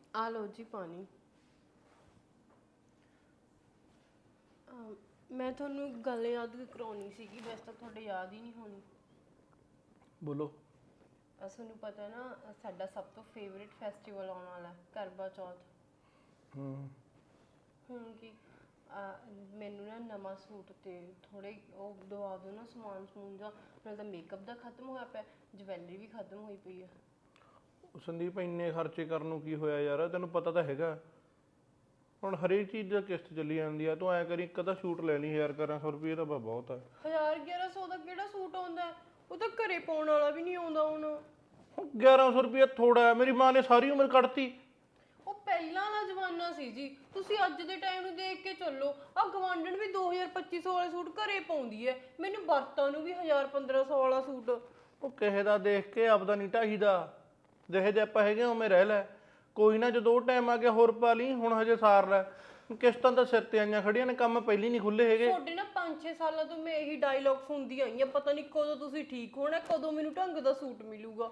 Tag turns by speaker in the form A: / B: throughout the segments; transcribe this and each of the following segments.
A: ਆ ਲਓ ਜੀ ਪਾਣੀ। ਮੈਂ ਤੁਹਾਨੂੰ ਇੱਕ ਗੱਲ ਯਾਦ ਕਰਾਉਣੀ ਸੀਗੀ, ਵੈਸੇ ਤਾਂ ਤੁਹਾਡੇ ਯਾਦ ਹੀ ਨਹੀਂ ਹੋਣੀ।
B: ਬੋਲੋ।
A: ਤੁਹਾਨੂੰ ਪਤਾ ਨਾ ਸਾਡਾ ਸਭ ਤੋਂ ਫੇਵਰੇਟ ਫੈਸਟੀਵਲ ਆਉਣ ਵਾਲਾ ਕਰਵਾ ਚੌਥ। ਹੁਣ ਕੀ ਮੈਨੂੰ ਨਾ ਨਵਾਂ ਸੂਟ ਤੇ ਥੋੜੇ ਉਹ ਦਵਾ ਦਿਓ ਨਾ, ਸਮਾਨ ਸਮੂਨ ਦਾ। ਨਾਲ ਤਾਂ ਮੇਕਅਪ ਦਾ ਖਤਮ ਹੋਇਆ ਪਿਆ, ਜਵੈਲਰੀ ਵੀ ਖਤਮ ਹੋਈ ਪਈ ਆ।
B: ਸੰਦੀਪ ਇੰਨੇ ਖਰਚੇ ਕਰਨ ਨੂੰ ਕੀ ਹੋਇਆ ਯਾਰ, ਤੈਨੂੰ ਪਤਾ ਤਾਂ ਹੈਗਾ ਹੁਣ ਹਰੇਕ ਚੀਜ਼ ਦਾ ਕਿਸ਼ਤ ਚੱਲੀ ਜਾਂਦੀ ਆ। ਤੂੰ ਐ ਕਰੀ ਇੱਕ ਅੱਧਾ ਸੂਟ ਲੈ ਲਈ 1100 ਰੁਪਏ ਦਾ ਬਹੁਤ ਆ।
A: 1100 ਦਾ ਕਿਹੜਾ ਸੂਟ ਆਉਂਦਾ? ਉਹ ਤਾਂ ਘਰੇ ਪਾਉਣ ਵਾਲਾ ਵੀ ਨਹੀਂ ਆਉਂਦਾ ਹੁਣ।
B: 1100 ਰੁਪਏ ਥੋੜਾ ਹੈ, ਮੇਰੀ ਮਾਂ ਨੇ ਸਾਰੀ ਉਮਰ ਕੱਢਤੀ।
A: ਉਹ ਪਹਿਲਾਂ ਵਾਲਾ ਜ਼ਮਾਨਾ ਸੀ ਜੀ, ਤੁਸੀਂ ਅੱਜ ਦੇ ਟਾਈਮ ਨੂੰ ਦੇਖ ਕੇ ਚੱਲੋ। ਆ ਗਵਾਂਢਣ ਵੀ 2000-2500 ਵਾਲੇ ਸੂਟ ਘਰੇ ਪਾਉਂਦੀ ਐ, ਮੈਨੂੰ ਵਰਤਾਂ ਨੂੰ ਵੀ 1000-1500 ਵਾਲਾ ਸੂਟ।
B: ਉਹ ਕਿਸੇ ਦਾ ਦੇਖ ਕੇ ਆਪਦਾ ਨਹੀਂ ਢਾਹੀਦਾ, ਜਿਹੇ ਜੇ ਆਪਾਂ ਹੈਗੇ ਉਵੇਂ ਰਹਿ ਲੈ। ਕੋਈ ਨਾ ਜਦੋਂ ਉਹ ਟਾਈਮ ਆ ਗਿਆ ਹੋਰ ਪਾ ਲਈ, ਹੁਣ ਹਜੇ ਸਾਰ ਲੈ। ਕਿਸ਼ਤਾਂ ਤਾਂ ਸਿਰ ਤੇ ਆਈਆਂ ਖੜੀਆਂ ਨੇ, ਕੰਮ ਪਹਿਲੀ ਨਹੀਂ ਖੁੱਲੇ ਹੈਗੇ।
A: ਤੁਹਾਡੇ ਨਾ 5-6 ਸਾਲਾਂ ਤੋਂ ਮੈਂ ਇਹੀ ਡਾਇਲੌਗ ਸੁਣਦੀ ਆਈ ਆ, ਪਤਾ ਨਹੀਂ ਕਦੋਂ ਤੁਸੀਂ ਠੀਕ ਹੋਣਾ, ਕਦੋਂ ਮੈਨੂੰ ਢੰਗ ਦਾ ਸੂਟ ਮਿਲੂਗਾ।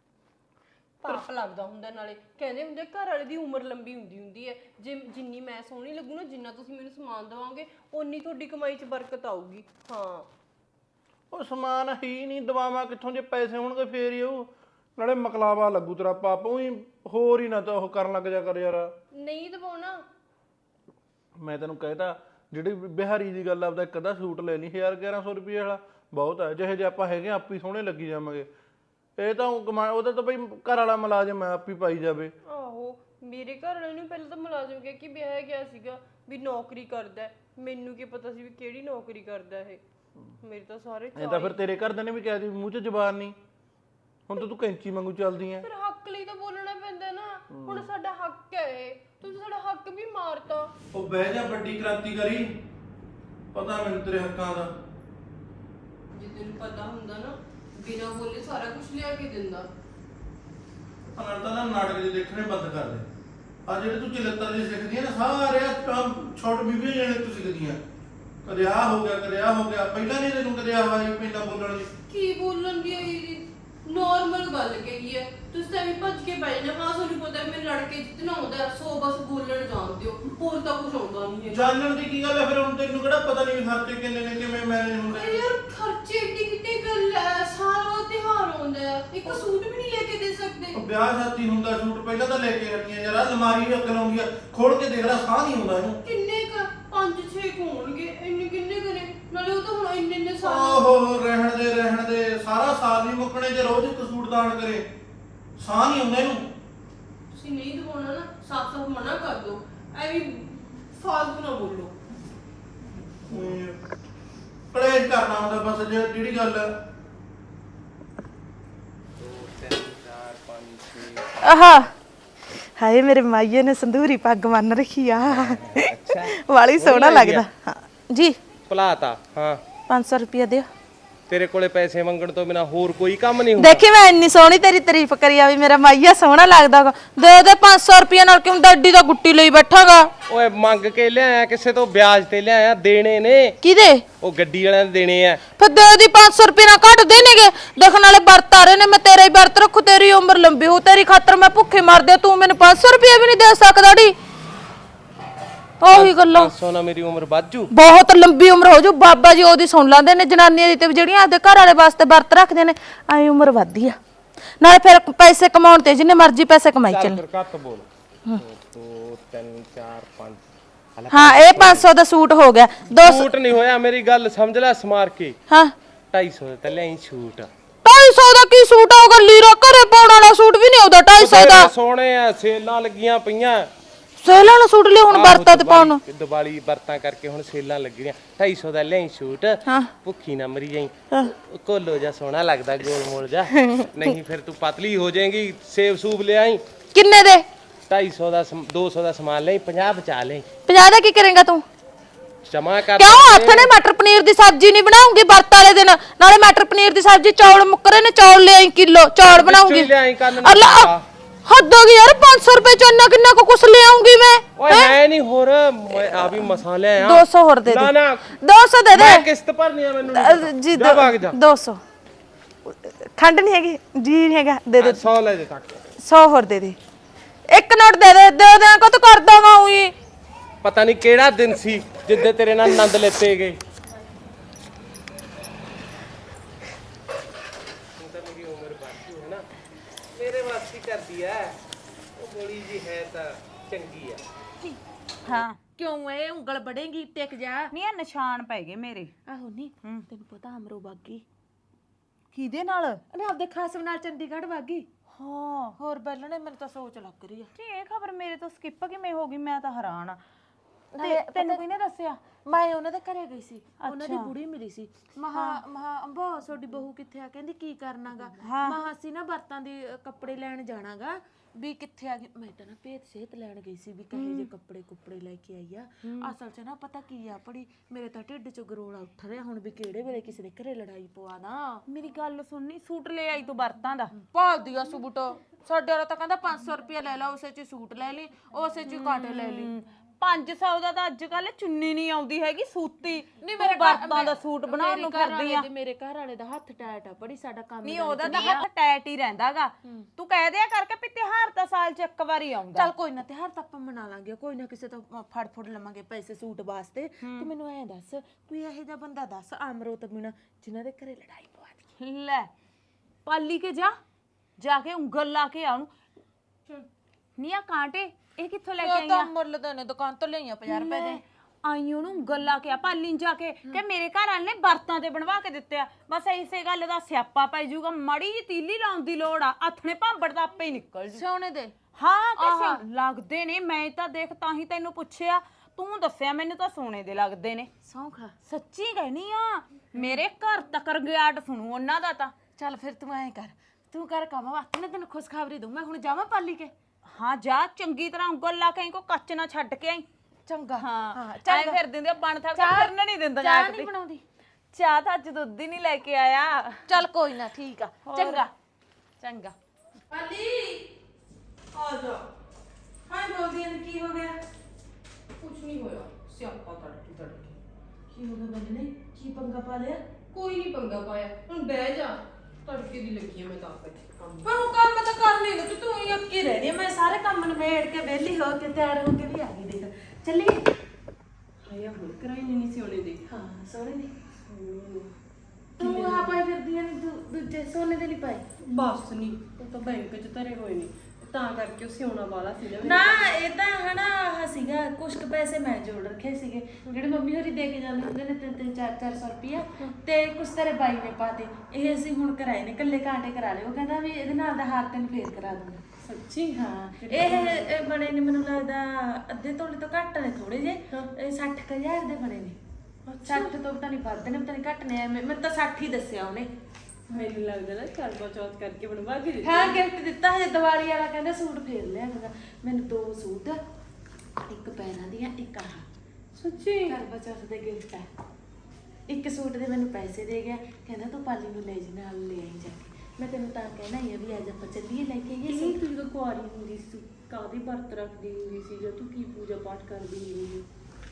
A: ਪਾਪ ਲੱਗਦਾ ਹੁੰਦਾ। ਨਾਲੇ ਕਹਿੰਦੇ ਹੁੰਦੇ ਘਰ ਵਾਲੇ ਦੀ ਉਮਰ ਲੰਬੀ ਹੁੰਦੀ ਹੈ। ਜਿੰਨੀ ਮੈਂ ਸੋਹਣੀ ਲੱਗੂ ਨਾ, ਜਿੰਨਾ ਤੁਸੀਂ ਮੈਨੂੰ ਸਮਾਨ ਦਵਾਓਗੇ, ਓਨੀ ਤੁਹਾਡੀ ਕਮਾਈ 'ਚ ਬਰਕਤ ਆਊਗੀ। ਹਾਂ,
B: ਉਹ ਸਮਾਨ ਹੀ ਨਹੀਂ ਦਵਾਵਾਂ ਕਿੱਥੋਂ, ਜੇ ਪੈਸੇ ਹੋਣਗੇ ਫੇਰ ਹੀ ਉਹ। ਨਾਲੇ ਮਕਲਾਵਾ ਲੱਗੂ ਤੇਰਾ ਪਾਪ, ਉਹੀ ਹੋਰ ਹੀ ਨਾ ਤਾਂ ਉਹ ਕਰਨ ਲੱਗ ਜਾ ਕਰ ਯਾਰ।
A: ਨਹੀਂ ਦਵਾਉਣਾ।
B: ਮੈਂ ਤੈਨੂੰ ਕਹਿਤਾ ਜਿਹੜੀ ਬਿਹਾਰੀ ਦੀ ਗੱਲ, ਆਪਦਾ ਇੱਕ ਅੱਧਾ ਸੂਟ ਲੈ ਲਈ 1100 ਰੁਪਏ ਵਾਲਾ ਬਹੁਤ ਹੈ। ਜਿਹੇ ਜੇ ਆਪਾਂ ਹੈਗੇ ਆਪੀ ਸੋਹਣੇ ਲੱਗੀ ਜਾਵਾਂਗੇ। ਇਹ ਤਾਂ ਉਹਦਾ ਤਾਂ ਬਈ ਘਰ ਵਾਲਾ ਮੁਲਾਜ਼ਮ ਹੈ, ਆਪੀ ਪਾਈ ਜਾਵੇ।
A: ਆਹੋ, ਮੇਰੇ ਘਰ ਵਾਲੇ ਨੂੰ ਪਹਿਲਾਂ ਤਾਂ ਮੁਲਾਜ਼ਮ ਕਹਿ ਕੇ ਵਿਆਹਿਆ ਗਿਆ ਸੀਗਾ ਵੀ ਨੌਕਰੀ ਕਰਦਾ। ਮੈਨੂੰ ਕੀ ਪਤਾ ਸੀ ਵੀ ਕਿਹੜੀ ਨੌਕਰੀ ਕਰਦਾ ਇਹ। ਮੇਰੇ ਤਾਂ ਸਾਰੇ
B: ਇਹ ਤਾਂ ਫਿਰ ਤੇਰੇ ਘਰਦਿਆਂ ਨੇ ਵੀ ਕਹਿ ਦਿੱਤੀ, ਮੂੰਹ 'ਚ ਜ਼ਬਾਨ ਨਹੀਂ। ਹੁਣ ਤਾਂ ਤੂੰ ਕੈਂਚੀ ਵਾਂਗੂ ਚੱਲਦੀ ਐ।
A: ਫਿਰ ਹੱਕ ਲਈ ਤਾਂ ਬੋਲਣਾ ਪੈਂਦਾ ਨਾ। ਹੁਣ ਸਾਡਾ ਹੱਕ ਹੈ ਇਹ, ਤੁਸੀਂ ਸਾਡਾ ਹੱਕ ਵੀ ਮਾਰਤਾ।
B: ਉਹ ਬਹਿ ਜਾ, ਵੱਡੀ ਕ੍ਰਾਂਤੀਕਾਰੀ, ਪਤਾ ਮੈਨੂੰ ਤੇਰੇ ਹੱਕਾਂ ਦਾ।
A: ਜੇ ਤੈਨੂੰ ਪਤਾ ਹੁੰਦਾ ਨਾ, ਬਿਨਾਂ ਬੋਲੇ ਸਾਰਾ ਕੁਝ ਲਿਆ ਕੇ ਦਿੰਦਾ।
B: ਨਾਲ ਤਾਂ ਨਾ ਨਾਟਕ ਜੇ ਦੇਖਣੇ ਬੰਦ ਕਰ ਦੇ। ਆ ਜਿਹੜੇ ਤੂੰ ਚਲੱਤਰ ਜੇ ਸਿੱਖਦੀ ਆ ਨਾ, ਸਾਰੇ ਛੋਟ ਬੀਬੀਆਂ ਜਿਹੜੇ ਤੂੰ ਸਿੱਖਦੀਆਂ, ਕਦੇ ਆ ਹੋ ਗਿਆ ਕਦੇ ਆ ਹੋ ਗਿਆ। ਪਹਿਲਾਂ ਨਹੀਂ ਤੈਨੂੰ ਕਦੇ ਆਵਾਜ਼ ਪਹਿਲਾਂ ਬੋਲਣ ਦੀ।
A: ਕੀ ਬੋਲਣ ਦੀ ਆਈ ਜੀ? ਨੋਰਮਲ ਗੱਲ ਕਹੀ ਹੈ, ਤੁਸੀਂ ਤਾਂ ਵੀ ਭੱਜ ਕੇ ਪੈ ਜਾਣਾ। ਹਾਂ, ਤੁਹਾਨੂੰ ਪਤਾ ਮੈਂ ਲੜ ਕੇ ਜਿੱਤਣਾ ਆਉਂਦਾ, ਸੋ ਬਸ ਬੋਲਣ ਜਾਣਦੇ ਹੋ, ਹੋਰ ਤਾਂ ਕੁਝ ਆਉਂਦਾ ਨਹੀਂ ਹੈ।
B: ਜਾਣਨ ਦੀ ਕੀ ਗੱਲ ਹੈ ਫਿਰ? ਹੁਣ ਤੈਨੂੰ ਕਿਹੜਾ ਪਤਾ ਨਹੀਂ ਖਰਚੇ ਕਿੰਨੇ ਨੇ, ਕਿਵੇਂ ਮੈਨੇਜ ਹੁੰਦੇ।
A: ਯਾਰ ਖਰਚੇ ਏਡੀ ਕਿੱਡੀ ਗੱਲ ਹੈ, ਸਾਰਾ ਤਿਉਹਾਰ ਆਉਂਦਾ ਹੈ, ਇੱਕ ਸੂਟ ਵੀ ਨਹੀਂ ਲੈ ਕੇ ਦੇ ਸਕਦੇ।
B: ਵਿਆਹ ਸ਼ਾਦੀ ਹੁੰਦਾ ਸੂਟ ਪਹਿਲਾਂ ਤਾਂ ਲੈ ਕੇ ਆਉਣੀਆਂ ਯਾਰ। ਅਲਮਾਰੀ ਅੱਗ ਲਾਉਂਦੀ ਆ, ਖੋਲ ਕੇ ਦੇਖ ਲੈ, ਸਾਹ ਨਹੀਂ ਆਉਂਦਾ ਇਹਨੂੰ।
A: ਕਿੰਨੇ ਕ 5-6 ਹੋਣਗੇ, ਇੰਨੇ ਕਿੰਨੇ ਕਰੇ? ਨਾਲੇ ਉਹ ਤਾਂ ਹੁਣ ਇੰਨੇ ਸਾਲ।
B: ਓਹੋ, ਰਹਿਣ ਦੇ ਸਾਰਾ ਸਾਲ ਨਹੀਂ ਮੁੱਕਣੇ ਜੇ ਰੋਜ਼ ਇੱਕ ਸੂਟ ਦਾਨ ਕਰੇ। ਸਾਹ ਨਹੀਂ ਆਉਂਦਾ ਇਹਨੂੰ।
A: ਤੁਸੀਂ ਨਹੀਂ ਦਵਾਉਣਾ ਨਾ, ਸਾਫ਼-ਸਾਫ਼ ਮਨਾ ਕਰ ਦਿਓ। ਐਵੇਂ ਫਾਲਤੂ ਨਾ ਬੋਲੋ।
B: ਕਲੇਸ਼ ਕਰਨਾ ਹੁੰਦਾ ਬਸ, ਜਿਹੜੀ ਗੱਲ ਹੈ।
C: 2 3 4 5 6
D: ਆਹਾ, ਹਾਏ ਮੇਰੇ ਮਾਈਏ ਨੇ ਸੰਧੂਰੀ ਪੱਗ ਬੰਨ ਰੱਖੀ ਆ।
C: ਅੱਛਾ,
D: ਵਾਲੀ ਸੋਹਣਾ ਲੱਗਦਾ। ਹਾਂ ਜੀ,
C: ਭਲਾਤਾ। ਹਾਂ,
D: 500 ਰੁਪਇਆ ਦਿਓ।
C: ਤੇਰੇ ਕੋਲੇ ਪੈਸੇ ਮੰਗਣ ਤੋਂ ਬਿਨਾ ਹੋਰ ਕੋਈ ਕੰਮ ਨਹੀਂ ਹੁੰਦਾ।
D: ਦੇਖੀ ਮੈਂ ਇੰਨੀ ਸੋਹਣੀ ਤੇਰੀ ਤਾਰੀਫ ਕਰੀ ਆ ਵੀ ਮੇਰਾ ਮਾਈਆ ਸੋਹਣਾ ਲੱਗਦਾ। ਦੇ ਦੇ 500 ਰੁਪਇਆ, ਨਾਲ ਕਿਉਂ ਡੱਡੀ ਦਾ ਗੁੱਟੀ ਲਈ ਬੈਠਾਗਾ?
C: ਓਏ ਮੰਗ ਕੇ ਲਿਆਇਆ, ਕਿਸੇ ਤੋਂ ਵਿਆਜ ਤੇ ਲਿਆਇਆ, ਦੇਣੇ ਨੇ।
D: ਕਿਹਦੇ?
C: ਉਹ ਗੱਡੀ ਵਾਲਿਆਂ ਦੇ ਦੇਣੇ ਆ।
D: ਫਿਰ ਦੇ ਦੀ 500 ਰੁਪਇਆ ਨਾਲ ਘੱਟ ਦੇਣਗੇ। ਦੇਖਣ ਵਾਲੇ ਵਰਤ ਆ ਰਹੇ ਨੇ, ਮੈਂ ਤੇਰਾ ਹੀ ਵਰਤ ਰੱਖੂ, ਤੇਰੀ ਉਮਰ ਲੰਬੀ ਹੋ, ਤੇਰੀ ਖਾਤਰ ਮੈਂ ਭੁੱਖੇ ਮਰਦੇ, ਤੂੰ ਮੈਨੂੰ 500 ਰੁਪਇਆ ਵੀ ਨਹੀਂ ਦੇ ਸਕਦਾ ਢੀ। ਉਹੀ ਗੱਲਾਂ।
C: 500 ਨਾਲ ਮੇਰੀ ਉਮਰ ਵੱਧੂ।
D: ਬਹੁਤ ਲੰਬੀ ਉਮਰ ਹੋ ਜੂ। ਬਾਬਾ ਜੀ ਉਹਦੀ ਸੁਣ ਲੈਂਦੇ ਨੇ ਜਨਾਨੀਆਂ ਦੀ, ਤੇ ਜਿਹੜੀਆਂ ਆਪਦੇ ਘਰ ਵਾਲੇ ਵਾਸਤੇ ਵਰਤ ਰੱਖਦੇ ਨੇ, ਐ ਉਮਰ ਵੱਧਦੀ ਆ। ਨਾਲੇ ਫਿਰ ਪੈਸੇ ਕਮਾਉਣ ਤੇ ਜਿੰਨੇ ਮਰਜ਼ੀ ਪੈਸੇ ਕਮਾਈ ਚੱਲ।
C: ਫਿਰ ਘੱਟ ਬੋਲ। 2 3 4 5।
D: ਹਾਂ, ਇਹ 500 ਦਾ ਸੂਟ ਹੋ ਗਿਆ। 200
C: ਸੂਟ ਨਹੀਂ ਹੋਇਆ, ਮੇਰੀ ਗੱਲ ਸਮਝ ਲੈ ਸਮਾਰ ਕੇ।
D: ਹਾਂ,
C: 250 ਤੇ ਲਿਆਈ ਸੂਟ।
D: 250 ਦਾ ਕੀ ਸੂਟ ਆਊਗਾ? ਲੀਰਾ ਘਰੇ ਪਾਉਣ ਵਾਲਾ ਸੂਟ ਵੀ ਨਹੀਂ ਆਉਂਦਾ 250 ਦਾ।
C: ਸੋਹਣੇ ਆ, ਸੇਲਾਂ ਲੱਗੀਆਂ ਪਈਆਂ।
D: ਸੇਲਾਂ ਵਾਲਾ ਸੂਟ ਲਿਆ ਹੁਣ ਵਰਤਾਂ ਤੇ ਪਾਉਣ ਨੂੰ।
C: ਦੀਵਾਲੀ ਵਰਤਾਂ ਕਰਕੇ ਹੁਣ ਸੇਲਾਂ ਲੱਗੀਆਂ। 250 ਦਾ ਲਿਆਈ ਸੂਟ।
D: ਹਾਂ,
C: ਭੁੱਖੀ ਨਾ ਮਰੀ ਜਾਈ। ਕੋਲੋ ਜਾ ਸੋਹਣਾ ਲੱਗਦਾ, ਗੋਲ ਮੋਲ ਜਾ। ਨਹੀਂ ਫਿਰ ਤੂੰ ਪਤਲੀ ਹੋ ਜਾਏਗੀ। ਸੇਬ ਸੂਬ ਲਿਆਈ।
D: ਕਿੰਨੇ ਦੇ?
C: 250 ਦਾ 200 ਦਾ ਸਮਾਨ ਲਈ, 50 ਬਚਾ ਲਈ।
D: 50 ਦਾ ਕੀ ਕਰੇਗਾ ਤੂੰ?
C: ਜਮਾ ਕਰ।
D: ਕਿਉਂ ਹੱਥ ਨੇ ਮਟਰ ਪਨੀਰ ਦੀ ਸਬਜ਼ੀ ਨਹੀਂ ਬਣਾਉਂਗੀ ਵਰਤ ਵਾਲੇ ਦਿਨ? ਨਾਲੇ ਮਟਰ ਪਨੀਰ ਦੀ ਸਬਜ਼ੀ, ਚੌਲ ਮੁੱਕਰੇ ਨੇ, ਚੌਲ ਲਿਆਈ ਕਿਲੋ, ਚੌਲ ਬਣਾਉਂਗੀ।
C: ਲਿਆਈ ਕੰਨ
D: ਹੱਦ ਹੋ ਗਈ ਯਾਰ, 500 ਰੁਪਏ ਚ ਇੰਨਾ ਕਿੰਨਾ ਕੁਛ ਲਿਆਉਂਗੀ ਮੈਂ।
C: ਓਏ ਹੈ ਨਹੀਂ ਹੋਰ, ਮੈਂ ਆ ਵੀ ਮਸਾਲੇ ਆ।
D: 200 ਹੋਰ ਦੇ ਦੇ।
C: ਨਾ ਨਾ
D: 200 ਦੇ ਦੇ।
C: ਮੈਂ ਕਿਸ਼ਤ ਭਰਨੀ ਆ ਮੈਨੂੰ।
D: ਜੀ
C: ਜਾ ਭਾਗ ਜਾ।
D: 200 ਖੰਡ ਨਹੀਂ ਹੈਗੀ ਜੀ, ਨਹੀਂ ਹੈਗਾ, ਦੇ ਦੇ।
C: 100 ਲੈ ਦੇ ਤੱਕ।
D: 100 ਹੋਰ ਦੇ ਦੇ। ਇੱਕ ਨੋਟ ਦੇ ਦੇ ਕੋ ਤੂੰ ਕਰਦਾ ਵਾ ਉਹੀ।
C: ਪਤਾ ਨਹੀਂ ਕਿਹੜਾ ਦਿਨ ਸੀ ਜਿੱਦੇ ਤੇਰੇ ਨਾਲ ਆਨੰਦ ਲੈਤੇ ਗਏ। ਹੁਣ ਤਾਂ ਮੇਰੀ ਉਮਰ ਬਾਕੀ ਹੈ ਨਾ, ਮੇਰੇ ਵਾਸਤੇ ਕਰਦੀ ਐ ਉਹ ਗੋਲੀ ਜੀ ਹੈ ਤਾਂ ਚੰਗੀ ਆ।
D: ਹਾਂ
E: ਕਿਉਂ ਇਹ ਉਂਗਲ ਬੜੇਗੀ ਟਿਕ ਜਾ।
D: ਨਹੀਂ ਇਹ ਨਿਸ਼ਾਨ ਪੈ ਗਏ ਮੇਰੇ।
E: ਆਹੋ ਨਹੀਂ ਤੈਨੂੰ ਪਤਾ ਅਮਰੋ ਬਾਗੀ
D: ਕਿਹਦੇ ਨਾਲ?
E: ਉਹਨੇ ਆਪਦੇ ਖਾਸਮ ਨਾਲ ਚੰਡੀਗੜ੍ਹ ਵਾਗੀ।
D: ਹਾਂ
E: ਹੋਰ ਬੈਲਣੇ ਮੈਨੂੰ ਤਾਂ ਸੋਚ ਲੱਗ ਰਹੀ ਆ।
D: ਜੀ ਇਹ ਖਬਰ ਮੇਰੇ ਤੋਂ ਸਕਿਪ ਕਿਵੇਂ ਹੋ ਗਈ? ਮੈਂ ਤਾਂ ਹੈਰਾਨ ਆ। ਤੇ ਤੈਨੂੰ ਕਿਹਨੇ ਦੱਸਿਆ?
E: ਮੈਂ ਉਹਨਾਂ ਦੇ ਘਰੇ ਗਈ ਸੀ, ਉਹਨਾਂ ਦੀ ਬੁੜੀ ਮਿਲੀ ਸੀ। ਮਹਾ ਅੰਬੋ ਤੁਹਾਡੀ ਬਹੂ ਕਿੱਥੇ ਆ? ਕਹਿੰਦੀ ਕੀ ਕਰਨਾਗਾ? ਮਹਾ ਅਸੀਂ ਨਾ ਬਰਤਾਂ ਦੇ ਕੱਪੜੇ ਲੈਣ ਜਾਣਾਗਾ। ਵੀ ਕਿੱਥੇ ਆ ਗਈ? ਮੈਂ ਤਾਂ ਨਾ ਭੇਤ ਸੇਤ ਲੈਣ ਗਈ ਸੀ ਵੀ ਕਹੇ ਜੇ ਕੱਪੜੇ ਲੈ ਕੇ ਆਈ ਆ। ਅਸਲ 'ਚ ਨਾ ਪਤਾ ਕੀ ਆ ਪੜੀ, ਮੇਰੇ ਤਾਂ ਢਿੱਡ 'ਚ ਗਰੋਲਾ ਉੱਠ ਰਿਹਾ ਹੁਣ ਵੀ ਕਿਹੜੇ ਵੇਲੇ ਕਿਸੇ ਦੇ ਘਰੇ ਲੜਾਈ ਪਵਾ ਨਾ।
D: ਮੇਰੀ ਗੱਲ ਸੁਣਨੀ, ਸੂਟ ਲੈ ਆਈ ਤੂੰ ਵਰਤਾਂ ਦਾ?
E: ਭਾਲਦੀ ਆ ਸੂਟ। ਸਾਡੇ ਵਾਲਾ ਤਾਂ ਕਹਿੰਦਾ 500 ਰੁਪਇਆ ਲੈ ਲਾ, ਉਸੇ 'ਚ ਸੂਟ ਲੈ ਲਈ, ਉਸੇ 'ਚ ਕਾਂਟੇ ਲੈ ਲਈ।
D: 500 ਦਾ ਤਾਂ ਅੱਜ ਕੱਲ ਚੁੰਨੀ ਨਹੀਂ ਆਉਂਦੀ ਹੈਗੀ ਸੂਤੀ। ਨਹੀਂ ਮੇਰੇ ਵਰਤਾਂ ਦਾ ਸੂਟ ਬਣਾਉਣ ਨੂੰ ਫਿਰਦੀ ਆ।
E: ਮੇਰੇ ਘਰ ਵਾਲੇ ਦਾ ਹੱਥ ਟਾਇਟ ਆ ਬੜੀ, ਸਾਡਾ ਕੰਮ
D: ਨਹੀਂ ਉਹਦਾ ਤਾਂ ਹੱਥ ਟੈਟ ਹੀ ਰਹਿੰਦਾਗਾ। ਤੂੰ ਕਹਿ ਦਿਆ ਕਰਕੇ ਵੀ ਤਿਉਹਾਰ ਤਾਂ ਸਾਲ 'ਚ ਇੱਕ ਵਾਰੀ ਆਉਂਦਾ।
E: ਚੱਲ ਕੋਈ ਨਾ, ਤਿਉਹਾਰ ਤਾਂ ਆਪਾਂ ਮਨਾ ਲਾਂਗੇ, ਕੋਈ ਨਾ ਕਿਸੇ ਤੋਂ ਫੜ ਲਵਾਂਗੇ ਪੈਸੇ ਸੂਟ ਵਾਸਤੇ। ਤੂੰ ਮੈਨੂੰ ਐਂ ਦੱਸ, ਕੋਈ ਇਹੋ ਜਿਹਾ ਬੰਦਾ ਦੱਸ ਅਮਰੋ ਤੋਂ ਬਿਨਾਂ ਜਿਨ੍ਹਾਂ ਦੇ ਘਰੇ ਲੜਾਈ ਪਵਾ ਦੀ।
D: ਲੈ ਪਾਲੀ ਕੇ ਜਾ ਕੇ ਉਂਗਲ ਲਾ ਕੇ ਆਉਂ। ਨੀ ਆ ਕਾਂਟੇ ਇਹ ਕਿੱਥੋਂ ਲੈ ਕੇ ਆਈਆਂ?
E: ਤਾਂ ਮੁੱਲ ਦੇ ਨੇ, ਦੁਕਾਨ ਤੋਂ ਲਈਆਂ 50 ਰੁਪਏ ਦੇ।
D: ਆਈ ਉਹਨੂੰ ਉਂਗਲ ਲਾ ਕੇ ਆ ਪਾਲੀ ਨੂੰ ਜਾ ਕੇ ਕਿ ਮੇਰੇ ਘਰ ਵਾਲੇ ਨੇ ਵਰਤਾਂ ਤੇ ਬਣਵਾ ਕੇ ਦਿੱਤੇ ਆ। ਬਸ ਇਸੇ ਗੱਲ ਦਾ ਸਿਆਪਾ ਪੈ ਜਾਊਗਾ। ਮਾੜੀ ਜੀ ਤੀਲੀ ਲਾਉਣ ਦੀ ਲੋੜ ਆ, ਹੱਥ ਨੇ ਭਾਂਬੜ ਦਾ ਆਪੇ ਹੀ ਨਿਕਲ ਜੂ।
E: ਸੋਨੇ ਦੇ
D: ਹਾਂ ਕਿਸੇ ਲੱਗਦੇ ਨੇ। ਮੈਂ ਤਾਂ ਦੇਖ ਤਾਂ ਹੀ ਤੈਨੂੰ ਪੁੱਛਿਆ, ਤੂੰ ਦੱਸਿਆ ਮੈਨੂੰ ਤਾਂ ਸੋਨੇ ਦੇ ਲੱਗਦੇ ਨੇ।
E: ਸੌਂਖਾ
D: ਸੱਚੀ ਕਹਿਨੀ ਆ, ਮੇਰੇ ਘਰ ਤੱਕ ਰਗਿਆਟ ਸੁਣੂ ਉਹਨਾਂ ਦਾ ਤਾਂ।
E: ਚੱਲ ਫਿਰ ਤੂੰ ਐਂ ਕਰ, ਤੂੰ ਕਰ ਕੰਮ ਵਾਸਤੇ ਨਾ ਤੈਨੂੰ ਖੁਸ਼ਖਬਰੀ ਦੂੰ। ਮੈਂ ਹੁਣ ਜਾਵਾਂ ਪਾਲੀ ਕੇ?
D: ਹਾਂ ਜਾ, ਚੰਗੀ ਤਰ੍ਹਾਂ ਉਂਗਲ ਲਾ ਕੇ ਆਈ, ਕੋ ਕੱਚ ਨਾ ਛੱਡ ਕੇ ਆਈ।
E: ਚੰਗਾ।
D: ਹਾਂ ਐ ਫਿਰ ਦਿੰਦੇ ਬਣ ਥਾ ਫਿਰਨ ਨਹੀਂ ਦਿੰਦਾ ਜਾ
E: ਚਾਹ
D: ਕੇ।
E: ਨਹੀਂ ਬਣਾਉਂਦੀ?
D: ਚਾਹ ਤਾਂ ਅੱਜ ਦੁੱਧ ਹੀ ਨਹੀਂ ਲੈ ਕੇ ਆਇਆ।
E: ਚੱਲ ਕੋਈ ਨਾ, ਠੀਕ ਆ, ਚੰਗਾ
D: ਚੰਗਾ।
E: ਪਾਲੀ ਆ ਜਾ। ਹਾਂ ਬੋਲਦੀ ਨੇ, ਕੀ ਹੋ ਗਿਆ?
A: ਕੁਛ ਨਹੀਂ ਹੋਇਆ, ਸਿਆਪਾ ਤੜਕੀ
E: ਕੀ ਹੋ ਗਿਆ ਬੰਦਨੇ? ਕੀ ਪੰਗਾ ਪਾ ਲਿਆ?
A: ਕੋਈ ਨਹੀਂ ਪੰਗਾ ਪਾਇਆ। ਹੁਣ ਬਹਿ ਜਾ, ਤੜਕੇ ਦੀ ਲੱਗੀ ਆ ਮੈਂ ਤਾਂ ਆਪ ਇੱਥੇ ਕੰਮ।
E: ਪਰ ਉਹ ਕੰਮ ਤਾਂ ਕਰ ਲਈ ਨਾ ਤੂੰ ਹੀ ਅੱਕੀ ਰਹਿਣੀ। ਮੈਂ ਸਾਰੇ ਕੰਮ ਨਿਬੇੜ ਕੇ ਵਿਹਲੀ ਹੋ ਕੇ ਤਿਆਰ ਹੋ ਕੇ ਵੀ ਆ ਗਈ। ਦੇਖ ਚੱਲੀ।
A: ਹਾਇਆ ਹੁਣ ਕਰਾਈ ਨਹੀਂ ਸੀ ਉਹਨੇ ਦੇ।
E: ਹਾਂ ਸੋਹਣੇ ਨੇ। ਤੂੰ ਆ ਪਾਈ ਫਿਰਦੀਆਂ ਨੇ, ਦੂਜੇ ਸੋਨੇ ਦੇ ਨਹੀਂ ਪਾਏ?
A: ਬਸ ਨਹੀਂ, ਉਹ ਤਾਂ ਬੈਂਕ 'ਚ ਧਰੇ ਹੋਏ ਨੇ, ਤਾਂ ਕਰਕੇ ਉਹ ਸਿਉਣਾ ਵਾਲਾ ਸੀ ਨਾ।
E: ਨਾ ਇਹ ਤਾਂ ਹਨਾ ਆਹ ਸੀਗਾ, ਕੁਛ ਕੁ ਪੈਸੇ ਮੈਂ ਜੋੜ ਰੱਖੇ ਸੀਗੇ ਜਿਹੜੇ ਮੰਮੀ ਹੋਰੀ ਦੇ ਕੇ ਜਾਂਦੇ ਹੁੰਦੇ ਨੇ, 300-400 ਰੁਪਇਆ, ਤੇ ਕੁਛ ਤੇਰੇ ਬਾਈ ਨੇ ਪਾਤੇ। ਇਹ ਅਸੀਂ ਹੁਣ ਕਰਾਏ ਨੇ, ਕੱਲੇ ਕਾਂਟੇ ਕਰਾ ਲਏ। ਉਹ ਕਹਿੰਦਾ ਵੀ ਇਹਦੇ ਨਾਲ ਦਾ ਹਾਰ ਤੈਨੂੰ ਫੇਰ ਕਰਾ ਦੂੰਗਾ।
A: ਸੱਚੀ?
E: ਹਾਂ ਇਹ ਬਣੇ ਨੇ ਮੈਨੂੰ ਲੱਗਦਾ ਅੱਧੇ ਤੋਲੇ ਤੋਂ ਘੱਟ ਨੇ ਥੋੜੇ ਜੇ। ਇਹ 60,000 ਦੇ ਬਣੇ ਨੇ। 60 ਤੋਂ ਪਤਾ ਨਹੀਂ ਵੱਧ ਨੇ, ਪਤਾ ਨਹੀਂ ਘੱਟ ਨੇ। ਮੈਂ ਤਾਂ 60 ਹੀ ਦੱਸਿਆ ਉਹਨੇ।
A: ਮੈਨੂੰ ਲੱਗਦਾ ਨਾ ਕਰਵਾ ਚੌਥ ਕਰਕੇ ਬਣਵਾ ਕੇ ਦਿੱਤੀ।
E: ਹਾਂ ਗਿਫਟ ਦਿੱਤਾ ਹਜੇ ਦੀਵਾਲੀ ਵਾਲਾ, ਕਹਿੰਦਾ ਸੂਟ ਫੇਰ ਲਿਆਂਗਾ ਮੈਨੂੰ। 2 ਸੂਟ, ਇੱਕ ਪੈਰਾਂ ਦੀਆਂ, ਇੱਕ ਆਹ
A: ਸੱਚੀ?
E: ਕਰਵਾ ਚੌਥ ਦੇ ਗਿਫਟ ਆ। ਇੱਕ ਸੂਟ ਦੇ ਮੈਨੂੰ ਪੈਸੇ ਦੇ ਗਿਆ, ਕਹਿੰਦਾ ਤੂੰ ਪਾਲੀ ਨੂੰ ਲੈ ਜੀ ਨਾਲ, ਲੈ ਆਈ ਜਾ ਕੇ। ਮੈਂ ਤੈਨੂੰ ਤਾਂ ਕਹਿਣਾ ਹੀ ਆ ਵੀ ਅੱਜ ਆਪਾਂ ਚੱਲੀਏ ਲੈ ਕੇ ਆਈਏ
A: ਇਹ
E: ਸੂਟ।
A: ਤੂੰ ਜਦੋਂ ਕੁਆਰੀ ਹੁੰਦੀ ਸੀ ਕਾਹਦੀ ਵਰਤ ਰੱਖਦੀ ਹੁੰਦੀ ਸੀ, ਜਾਂ ਤੂੰ ਕੀ ਪੂਜਾ ਪਾਠ ਕਰਦੀ ਹੁੰਦੀ ਸੀ?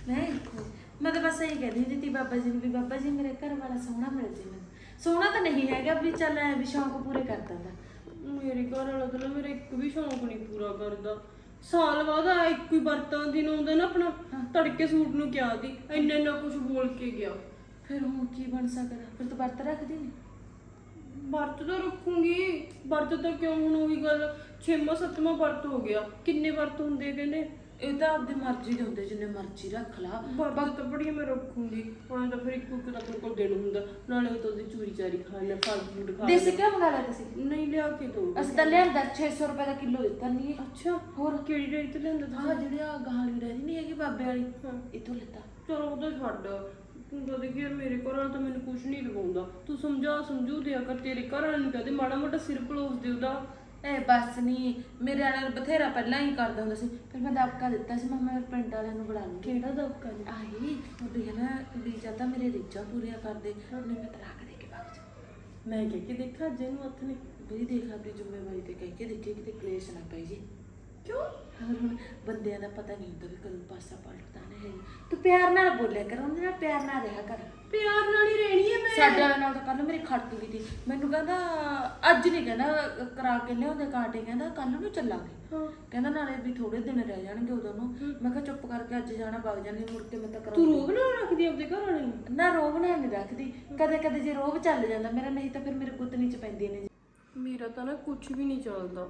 E: ਮੈਂ ਤਾਂ ਬਸ ਇਹੀ ਕਹਿੰਦੀ ਹੁੰਦੀ ਤੀ ਬਾਬਾ ਜੀ ਨੂੰ ਵੀ ਬਾਬਾ ਜੀ ਮੇਰੇ ਘਰ ਵਾਲਾ ਸੋਹਣਾ ਮਿਲ ਜੇ ਮੈਨੂੰ। ਸੋਹਣਾ ਤਾਂ ਨਹੀਂ ਹੈਗਾ ਵੀ ਚੱਲ ਐ ਵੀ ਸ਼ੌਂਕ ਪੂਰੇ ਕਰ ਦਿੰਦਾ।
A: ਮੇਰੇ ਘਰ ਵਾਲਾ ਤਾਂ ਨਾ ਮੇਰਾ ਇੱਕ ਵੀ ਸ਼ੌਂਕ ਨਹੀਂ ਪੂਰਾ ਕਰਦਾ। ਸਾਲ ਬਾਅਦ ਆ ਇੱਕ ਹੀ ਵਰਤਾਂ ਦਿਨ ਆਉਂਦਾ ਨਾ ਆਪਣਾ, ਤੜਕੇ ਸੂਟ ਨੂੰ ਕਿਹਾ ਦੀ ਇੰਨਾ ਕੁਝ ਬੋਲ ਕੇ ਗਿਆ।
E: ਫਿਰ ਹੁਣ ਕੀ ਬਣ ਸਕਦਾ? ਫਿਰ ਤੂੰ ਵਰਤ ਰੱਖਦੀ ਨਹੀਂ?
A: ਵਰਤ ਤਾਂ ਰੱਖੂੰਗੀ। ਵਰਤ ਤਾਂ ਕਿਉਂ, ਹੁਣ ਉਹੀ ਗੱਲ 6ਵਾਂ 7ਵਾਂ ਵਰਤ ਹੋ ਗਿਆ। ਕਿੰਨੇ ਵਰਤ ਹੁੰਦੇ ਕਹਿੰਦੇ?
E: ਇਹ ਤਾਂ ਆਪਦੀ ਮਰਜ਼ੀ ਦੇ ਹੁੰਦੇ, ਜਿੰਨੇ ਮਰਜ਼ੀ ਰੱਖ ਲਾ।
A: ਵਰਤ ਤਾਂ ਬੜੀਆਂ ਮੈਂ ਰੱਖੂੰਗੀ। ਹਾਂ ਤਾਂ ਫਿਰ ਇੱਕ ਤਾਂ ਆਪਣੇ ਕੋਲ ਦਿਨ ਹੁੰਦਾ, ਨਾਲੇ ਉਹ ਤਾਂ ਉਹਦੀ ਚੂਰੀ ਚਾਰੀ ਖਾ ਲੈ, ਫਲ ਫਰੂਟ ਖਾ
E: ਦੇਸੀ
A: ਲੈ।
E: ਕਿਉਂ ਮੰਗਾ ਲਿਆ ਤੁਸੀਂ?
A: ਨਹੀਂ ਲਿਆ ਕੇ ਦੋ।
E: ਅਸੀਂ ਤਾਂ ਲਿਆਂਦਾ 600 ਰੁਪਏ ਦਾ ਕਿਲੋ ਦਿੱਤਾ ਨਹੀਂ।
A: ਅੱਛਾ, ਹੋਰ ਕਿਹੜੀ ਰੇਟ ਤੇ ਲਿਆਂਦਾ ਤੁਸੀਂ?
E: ਹਾਂ ਜਿਹੜੀ ਆ ਗਾਲੀ ਰਹਿੰਦੀ ਨਹੀਂ ਹੈਗੀ ਬਾਬੇ ਵਾਲੀ, ਇਥੋਂ ਲਿੱਤਾ।
A: ਚਲੋ ਉਹਦਾ ਛੱਡ। ਤੂੰ ਤਾਂ ਦੇਖੀ ਯਾਰ ਮੇਰੇ ਘਰ ਵਾਲਾ ਤਾਂ ਮੈਨੂੰ ਕੁਝ ਨਹੀਂ ਲਗਾਉਂਦਾ। ਤੂੰ ਸਮਝੂ ਦਿਆ ਕਰ। ਤੇਰੇ ਘਰ ਵਾਲੇ ਨੂੰ ਕਹਦੇ ਮਾੜਾ ਮੋਟਾ ਸਿਰ ਪਲੋਸ ਦੇ ਉਹਦਾ।
E: ਇਹ ਬਸ ਨਹੀਂ, ਮੇਰੇ ਵਾਲਾ ਬਥੇਰਾ ਪਹਿਲਾਂ ਹੀ ਕਰਦਾ ਹੁੰਦਾ ਸੀ। ਫਿਰ ਮੈਂ ਦਬਕਾ ਦਿੱਤਾ ਸੀ, ਮੈਂ ਪਿੰਡ ਵਾਲਿਆਂ ਨੂੰ ਬੁਲਾ ਲੂੰਗੀ।
A: ਕਿਹੜਾ ਦਬਕਾ ਜੀ?
E: ਆਹੀ ਉਹ ਵੀ ਹੈ ਨਾ ਵੀ ਜਾਂ ਤਾਂ ਮੇਰੇ ਰੀਝਾਂ ਪੂਰੀਆਂ ਕਰਦੇ, ਉਹਨੇ ਮੈਂ ਤਲਾਕ ਦੇ ਕੇ ਵਗ ਜਾ।
A: ਮੈਂ ਕਹਿ ਕੇ ਦੇਖਾ ਅੱਜ ਇਹਨੂੰ ਹੱਥ ਨੇ।
E: ਬਈ ਦੇਖ ਆਪਣੀ ਜ਼ਿੰਮੇਵਾਰੀ ਤੇ ਕਹਿ ਕੇ ਦੇਖੀ ਕਿਤੇ ਕਲੇਸ਼ ਨਾ ਪਈ ਜੀ।
A: ਕਿਉਂ?
E: ਹੁਣ ਬੰਦਿਆਂ ਦਾ ਪਤਾ ਨਹੀਂ ਹੁੰਦਾ ਵੀ ਕਦੋਂ ਪਾਸਾ ਪਲਟਦਾ ਨਹੀਂ ਹੈ। ਤੂੰ ਪਿਆਰ ਨਾਲ ਬੋਲਿਆ ਕਰ, ਉਹਦੇ ਨਾਲ ਪਿਆਰ ਨਾਲ ਰਿਹਾ ਕਰ।
A: ਪਿਆਰ ਨਾਲ ਹੀ ਰਹਿਣੀ ਹੈ ਮੈਂ।
E: ਸਾਡੇ ਨਾਲ ਤਾਂ ਕੱਲ ਮੇਰੀ ਖੜਕ ਗਈ ਸੀ, ਮੈਨੂੰ ਕਹਿੰਦਾ ਅੱਜ ਨਹੀਂ, ਕਹਿੰਦਾ ਕਰਾ ਕੇ ਲਿਆਉਂਦੇ ਕਾਂਟੇ, ਕਹਿੰਦਾ ਕੱਲ ਨੂੰ ਚੱਲਾਂਗੇ। ਕਹਿੰਦਾ ਨਾਲੇ ਵੀ ਥੋੜੇ ਦਿਨ ਰਹਿ ਜਾਣਗੇ ਉਦੋਂ ਨੂੰ। ਮੈਂ ਕਿਹਾ ਚੁੱਪ ਕਰਕੇ ਅੱਜ ਜਾਣਾ, ਵਗ ਜਾਣੀ, ਮੁੜ ਕੇ ਮੈਂ ਤਾਂ
A: ਤੂੰ ਰੋਬ ਨਾ ਰੱਖਦੀ ਆਪਣੇ ਘਰ ਵਾਲੇ ਨੂੰ?
E: ਨਾ ਰੋਬ ਨਾਲ ਨਹੀਂ ਰੱਖਦੀ, ਕਦੇ ਕਦੇ ਜੇ ਰੋਬ ਚੱਲ ਜਾਂਦਾ ਮੇਰਾ, ਨਹੀਂ ਤਾਂ ਫਿਰ ਮੇਰੇ ਗੁੱਤਨੀ ਚ ਪੈਂਦੀਆਂ ਨੇ।
A: ਮੇਰਾ ਤਾਂ ਨਾ ਕੁਝ ਵੀ ਨਹੀਂ ਚੱਲਦਾ।